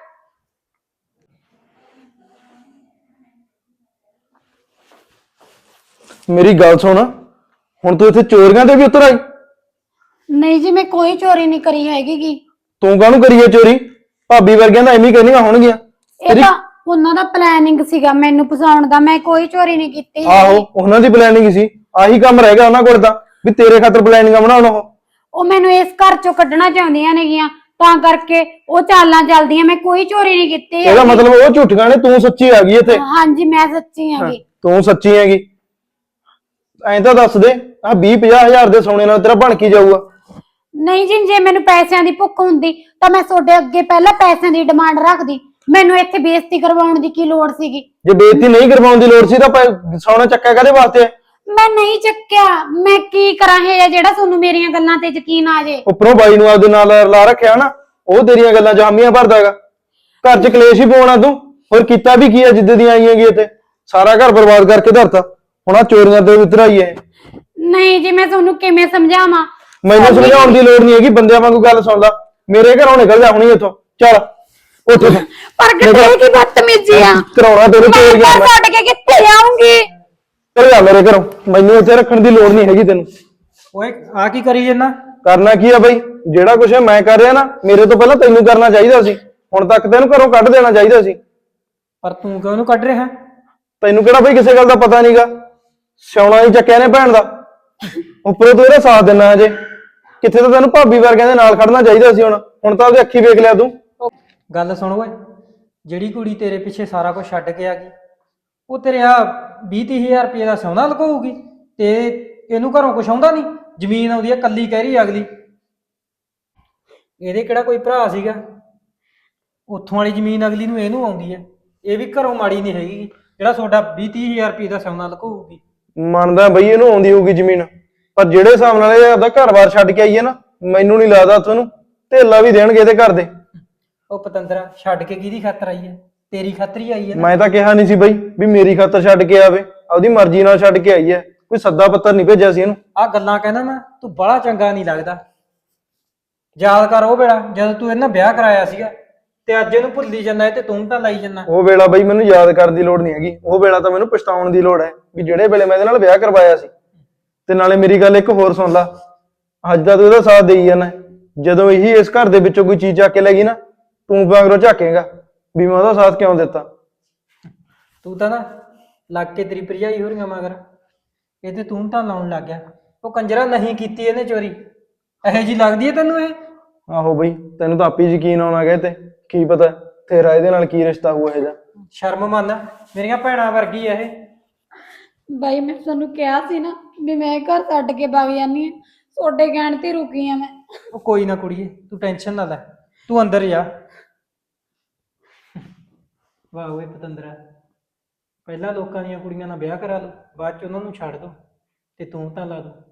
[SPEAKER 3] ਮੇਰੀ ਗੱਲ ਸੁਣ, ਹੁਣ ਤੂੰ ਇੱਥੇ ਚੋਰੀਆਂ ਤੇ ਵੀ ਉਤਰ ਆਈ?
[SPEAKER 5] ਨਹੀਂ ਜੀ, ਮੈਂ ਕੋਈ ਚੋਰੀ ਨਹੀਂ ਕਰੀ ਹੈਗੀ ਗੀ।
[SPEAKER 3] ਤੂੰ ਕਾਹਨੂੰ ਕਰੀਏ ਚੋਰੀ? ਭਾਬੀ ਵਰਗਿਆਂ ਦਾ ਐਵੇਂ ਕਹਿੰਦੀਆਂ ਹੋਣਗੀਆਂ।
[SPEAKER 5] ਇਹ ਤਾਂ ਉਹਨਾਂ ਦਾ ਪਲੈਨਿੰਗ ਸੀਗਾ ਮੈਨੂੰ ਫਸਾਉਣ ਦਾ, ਮੈਂ ਕੋਈ ਚੋਰੀ ਨਹੀਂ ਕੀਤੀ ਹੈਗੀ।
[SPEAKER 3] ਆਹੋ ਉਹਨਾਂ ਦੀ ਪਲੈਨਿੰਗ ਸੀ, ਆਹੀ ਕੰਮ ਰਹਿ ਗਿਆ ਉਹਨਾਂ ਕੋਲ ਤਾਂ, ਵੀ ਤੇਰੇ ਖਾਤਰ ਪਲੈਨਿੰਗਾਂ ਬਣਾਉਣ। ਉਹ
[SPEAKER 5] ਉਹ ਮੈਨੂੰ ਇਸ ਘਰ ਚੋਂ ਕੱਢਣਾ ਚਾਹੁੰਦੀਆਂ ਨੇਗੀਆਂ, ਤਾਂ ਕਰਕੇ ਉਹ ਚਾਲਾਂ ਚੱਲਦੀਆਂ। ਮੈਂ ਕੋਈ ਚੋਰੀ ਨਹੀਂ ਕੀਤੀ
[SPEAKER 3] ਇਹਦਾ
[SPEAKER 5] ਹੈਗੀ।
[SPEAKER 3] ਮਤਲਬ ਉਹ ਝੂਠੀਆਂ ਨੇ, ਤੂੰ ਸੱਚੀ ਆ ਗਈ ਇੱਥੇ।
[SPEAKER 5] ਹਾਂਜੀ ਮੈਂ ਸੱਚੀ ਹੈਗੀ।
[SPEAKER 3] ਤੂੰ ਸੱਚੀ ਹੈਗੀ, ਐਂ ਤਾਂ ਦੱਸ ਦੇ, ਆਹ ਵੀਹ ਪੰਜਾਹ ਹਜ਼ਾਰ ਦੇ ਸੋਨੇ ਨਾਲ ਤੇਰਾ ਬਣ ਕੀ ਜਾਊਗਾ?
[SPEAKER 5] ਨਹੀਂ ਜੀ, ਜੇ ਮੈਨੂੰ ਪੈਸਿਆਂ ਦੀ ਭੁੱਖ ਹੁੰਦੀ ਤਾਂ ਮੈਂ ਤੁਹਾਡੇ ਅੱਗੇ ਪਹਿਲਾਂ ਪੈਸਿਆਂ ਦੀ ਡਿਮਾਂਡ ਰੱਖਦੀ। ਮੈਨੂੰ ਇੱਥੇ ਬੇਇੱਜ਼ਤੀ ਕਰਵਾਉਣ ਦੀ ਕੀ ਲੋੜ ਸੀਗੀ?
[SPEAKER 3] ਜੇ ਬੇਇੱਜ਼ਤੀ ਨਹੀਂ ਕਰਵਾਉਣ ਦੀ ਲੋੜ ਸੀ ਤਾਂ ਪੈ- ਸੋਨਾ ਚੱਕਿਆ ਕਾਹਦੇ ਵਾਸਤੇ ਹੈ?
[SPEAKER 5] ਮੈਂ ਨਹੀਂ ਚੱਕਿਆ। ਮੈਂ ਕੀ ਕਰਾਂ ਇਹ ਜਿਹੜਾ ਤੁਹਾਨੂੰ ਮੇਰੀਆਂ ਗੱਲਾਂ ਤੇ ਯਕੀਨ ਆ ਜੇ।
[SPEAKER 3] ਉੱਪਰੋਂ ਬਾਈ ਨੂੰ ਆਪਦੇ ਨਾਲ ਲਾ ਰੱਖਿਆ ਨਾ, ਉਹ ਤੇਰੀਆਂ ਗੱਲਾਂ 'ਚ ਹਾਮੀਆਂ ਭਰਦਾ ਹੈਗਾ। ਘਰ 'ਚ ਕਲੇਸ਼ ਹੀ ਪਾਉਣਾ ਤੂੰ, ਹੋਰ ਕੀਤਾ ਵੀ ਕੀ ਹੈ? ਜਿੱਦ ਦੀ ਆਈ ਹੈਗੀ ਇੱਥੇ ਸਾਰਾ ਘਰ ਬਰਬਾਦ ਕਰਕੇ ਧਰਤਾ, ਹੁਣ ਆ ਚੋਰੀਆਂ ਤੇ ਉਤਰ ਆਈ ਹੈ।
[SPEAKER 5] ਨਹੀਂ ਜੀ, ਮੈਂ ਤੁਹਾਨੂੰ ਕਿਵੇਂ ਸਮਝਾਵਾਂ?
[SPEAKER 3] ਮੈਨੂੰ ਸਮਝਾਉਣ ਦੀ ਲੋੜ ਨਹੀਂ ਹੈਗੀ, ਬੰਦਿਆਂ ਵਾਂਗੂ ਗੱਲ ਸੁਣ ਲੈ। ਮੇਰੇ ਘਰੋਂ ਨਿਕਲ ਜਾ ਹੁਣੀ ਇੱਥੋਂ, ਚੱਲ ਉੱਠ।
[SPEAKER 5] ਪਰ ਕਿਤੇ ਕੀ ਬਦਤਮੀਜ਼ੀ ਆ?
[SPEAKER 3] ਕਰਾਉਣਾ ਤੈਨੂੰ
[SPEAKER 5] ਮੈਂ
[SPEAKER 3] ਚੋਰੀਆਂ
[SPEAKER 5] ਘਰ
[SPEAKER 3] ਮੈਂ।
[SPEAKER 5] ਛੱਡ ਕੇ ਕਿੱਥੇ ਜਾਊਂਗੀ?
[SPEAKER 3] ਚੱਲ ਜਾ ਮੇਰੇ ਘਰੋਂ, ਮੈਨੂੰ ਇੱਥੇ ਰੱਖਣ ਦੀ ਲੋੜ ਨਹੀਂ ਹੈਗੀ ਤੈਨੂੰ।
[SPEAKER 4] ਓਏ ਆ ਕੀ ਕਰੀ ਜੰਨਾ?
[SPEAKER 3] ਕਰਨਾ ਕੀ ਆ ਬਈ? ਜਿਹੜਾ ਕੁਛ ਮੈਂ ਕਰ ਰਿਹਾ ਨਾ, ਮੇਰੇ ਤੋਂ ਪਹਿਲਾਂ ਤੈਨੂੰ ਕਰਨਾ ਚਾਹੀਦਾ ਸੀ। ਹੁਣ ਤੱਕ ਤੈਨੂੰ ਘਰੋਂ ਕੱਢ ਦੇਣਾ ਚਾਹੀਦਾ ਸੀ।
[SPEAKER 4] ਪਰ ਤੂੰ ਕਿਉਂ ਉਹਨੂੰ ਕੱਢ ਰਿਹਾ?
[SPEAKER 3] ਤੈਨੂੰ ਕਿਹੜਾ ਬਈ ਕਿਸੇ ਗੱਲ ਦਾ ਪਤਾ ਨਹੀਂਗਾ? ਸਿਆਉਣਾ ਹੀ ਚੱਕਿਆ ਨੇ ਭੈਣ ਦਾ, ਉੱਪਰੋਂ ਤੂੰ ਇਹਦਾ ਸਾਥ ਦਿੰਦਾ ਅਜੇ। ਕਿੱਥੇ ਤਾਂ ਤੈਨੂੰ ਭਾਬੀ ਵਰਗਿਆਂ ਦੇ ਨਾਲ ਖੜਨਾ ਚਾਹੀਦਾ ਸੀ। ਹੁਣ ਹੁਣ ਤਾਂ ਉਹਦੀ ਅੱਖੀ ਵੇਖ ਲਿਆ ਤੂੰ।
[SPEAKER 4] ਗੱਲ ਸੁਣ ਓਏ, ਜਿਹੜੀ ਕੁੜੀ ਤੇਰੇ ਪਿੱਛੇ ਸਾਰਾ ਕੁਝ ਛੱਡ ਕੇ ਆ ਗਈ, ਉਹ ਤੇਰੇ ਆ ਵੀਹ ਤੀਹ ਹਜ਼ਾਰ ਰੁਪਏ ਦਾ ਸੋਨਾ ਲਗਾਊਗੀ ਤੇ ਇਹਨੂੰ ਘਰੋਂ ਕੁਛ ਆਉਂਦਾ ਨਹੀਂ? ਜ਼ਮੀਨ ਆਉਂਦੀ ਆ ਕੱਲੀ ਕਹਿ ਰਹੀ ਅਗਲੀ। ਇਹਦੇ ਕਿਹੜਾ ਕੋਈ ਭਰਾ ਸੀਗਾ? ਉੱਥੋਂ ਵਾਲੀ ਜ਼ਮੀਨ ਅਗਲੀ ਨੂੰ ਇਹਨੂੰ ਆਉਂਦੀ ਹੈ। ਇਹ ਵੀ ਘਰੋਂ ਮਾੜੀ ਨਹੀਂ ਹੈਗੀ ਜਿਹੜਾ ਤੁਹਾਡਾ ਵੀਹ ਤੀਹ ਹਜ਼ਾਰ ਰੁਪਏ ਦਾ ਸੋਨਾ ਲਗਾਊਗੀ।
[SPEAKER 3] ਮੰਨਦਾ ਬਈ ਇਹਨੂੰ ਆਉਂਦੀ ਹੋਊਗੀ ਜ਼ਮੀਨ, ਪਰ ਜਿਹੜੇ ਹਿਸਾਬ ਨਾਲ ਇਹ ਆਪਦਾ ਘਰ-ਬਾਰ ਛੱਡ ਕੇ ਆਈ ਹੈ ਨਾ, ਮੈਨੂੰ ਨਹੀਂ ਲੱਗਦਾ ਤੁਹਾਨੂੰ ਢੇਲਾ ਵੀ ਦੇਣਗੇ ਇਹਦੇ ਘਰ ਦੇ।
[SPEAKER 4] ਉਹ ਪਤੰਦਰਾ ਛੱਡ ਕੇ ਕਿਹਦੀ ਖਾਤਰ ਆਈ ਹੈ? ਤੇਰੀ ਖਾਤਰ ਹੀ ਆਈ ਹੈ ਨਾ।
[SPEAKER 3] ਮੈਂ ਤਾਂ ਕਿਹਾ ਨਹੀਂ ਸੀ ਬਈ ਵੀ ਮੇਰੀ ਖਾਤਰ ਛੱਡ ਕੇ ਆਵੇ, ਆਪਦੀ ਮਰਜ਼ੀ ਨਾਲ ਛੱਡ ਕੇ ਆਈ ਹੈ, ਕੋਈ ਸੱਦਾ ਪੱਤਰ ਨਹੀਂ ਭੇਜਿਆ ਸੀ ਇਹਨੂੰ।
[SPEAKER 4] ਆ ਗੱਲਾਂ ਕਹਿੰਦਾ ਨਾ, ਤੂੰ ਬੜਾ ਚੰਗਾ ਨਹੀਂ ਲੱਗਦਾ। ਯਾਦ ਕਰ ਉਹ ਵੇਲਾ ਜਦੋਂ ਤੂੰ ਇਹਨਾਂ ਵਿਆਹ ਕਰਾਇਆ ਸੀਗਾ, ਤੇ ਅੱਜ ਇਹਨੂੰ ਭੁੱਲੀ ਜਾਂਦਾ ਤੇ ਤੂੰ ਤਾਂ ਲਾਈ ਜਾਂਦਾ।
[SPEAKER 3] ਉਹ ਵੇਲਾ ਬਈ ਮੈਨੂੰ ਯਾਦ ਕਰਨ ਦੀ ਲੋੜ ਨਹੀਂ ਹੈਗੀ, ਉਹ ਵੇਲਾ ਤਾਂ ਮੈਨੂੰ ਪਛਤਾਉਣ ਦੀ ਲੋੜ ਹੈ ਵੀ ਜਿਹੜੇ ਵੇਲੇ ਮੈਂ ਇਹਦੇ ਨਾਲ ਵਿਆਹ ਕਰਵਾਇਆ ਸੀ। ਤੇ ਨਾਲੇ ਮੇਰੀ ਗੱਲ ਇੱਕ ਹੋਰ ਸੁਣ ਲਾ, ਅੱਜ ਦਾ ਤੂੰ ਇਹਦਾ ਸਾਥ ਦੇਈ ਜਾਣਾ, ਜਦੋਂ ਇਹੀ ਇਸ ਘਰ ਦੇ ਵਿੱਚੋਂ ਕੋਈ ਚੀਜ਼ ਚੱਕ ਕੇ ਲੈ ਗਈ ਨਾ, ਤੂੰ ਵਾਂਗਰੋਂ ਝਾਕੇਗਾ ਵੀ ਮੈਂ ਉਹਦਾ ਸਾਥ ਕਿਉਂ ਦਿੱਤਾ।
[SPEAKER 4] ਤੂੰ ਤਾਂ ਨਾ ਲੱਗ ਕੇ ਤੇਰੀ ਭਰਜਾਈ ਹੋ ਰਹੀਆਂ ਮਗਰ, ਇਹ ਤੇ ਤੂੰ ਤਾਂ ਲਾਉਣ ਲੱਗ ਗਿਆ। ਉਹ ਕੰਜਰਾ ਨਹੀਂ ਕੀਤੀ ਇਹਨੇ ਚੋਰੀ, ਇਹੋ ਜੀ ਲੱਗਦੀ ਹੈ ਤੈਨੂੰ ਇਹ?
[SPEAKER 3] ਆਹੋ ਬਈ, ਤੈਨੂੰ ਤਾਂ ਆਪੇ ਯਕੀਨ ਆਉਣਾ ਗਿਆ ਤੇ ਕੀ ਪਤਾ ਤੇਰਾ ਇਹਦੇ ਨਾਲ ਕੀ ਰਿਸ਼ਤਾ ਹੋਊ ਇਹੋ ਜਿਹਾ।
[SPEAKER 4] ਸ਼ਰਮ ਮੰਨ, ਮੇਰੀਆਂ ਭੈਣਾਂ ਵਰਗੀ ਆ ਇਹ।
[SPEAKER 5] ਬਾਈ ਮੈਂ ਤੁਹਾਨੂੰ ਕਿਹਾ ਸੀ ਨਾ ਵੀ ਮੈਂ ਘਰ ਛੱਡ ਕੇ ਵਗ ਜਾਨੀ ਆ, ਤੁਹਾਡੇ ਕਹਿਣ ਤੇ ਰੁਕੀ ਆ ਮੈਂ।
[SPEAKER 4] ਉਹ ਕੋਈ ਨਾ ਕੁੜੀਏ, ਤੂੰ ਟੈਨਸ਼ਨ ਨਾ ਲੈ, ਤੂੰ ਅੰਦਰ ਜਾ। ਵਾਹ ਓਏ ਪਤੰਦਰਾ, ਪਹਿਲਾਂ ਲੋਕਾਂ ਦੀਆਂ ਕੁੜੀਆਂ ਨਾਲ ਵਿਆਹ ਕਰਾ ਲਓ, ਬਾਅਦ ਚ ਉਹਨਾਂ ਨੂੰ ਛੱਡ ਦੋ ਤੇ ਤੂੰ ਤਾਂ ਲਾ ਦੋ।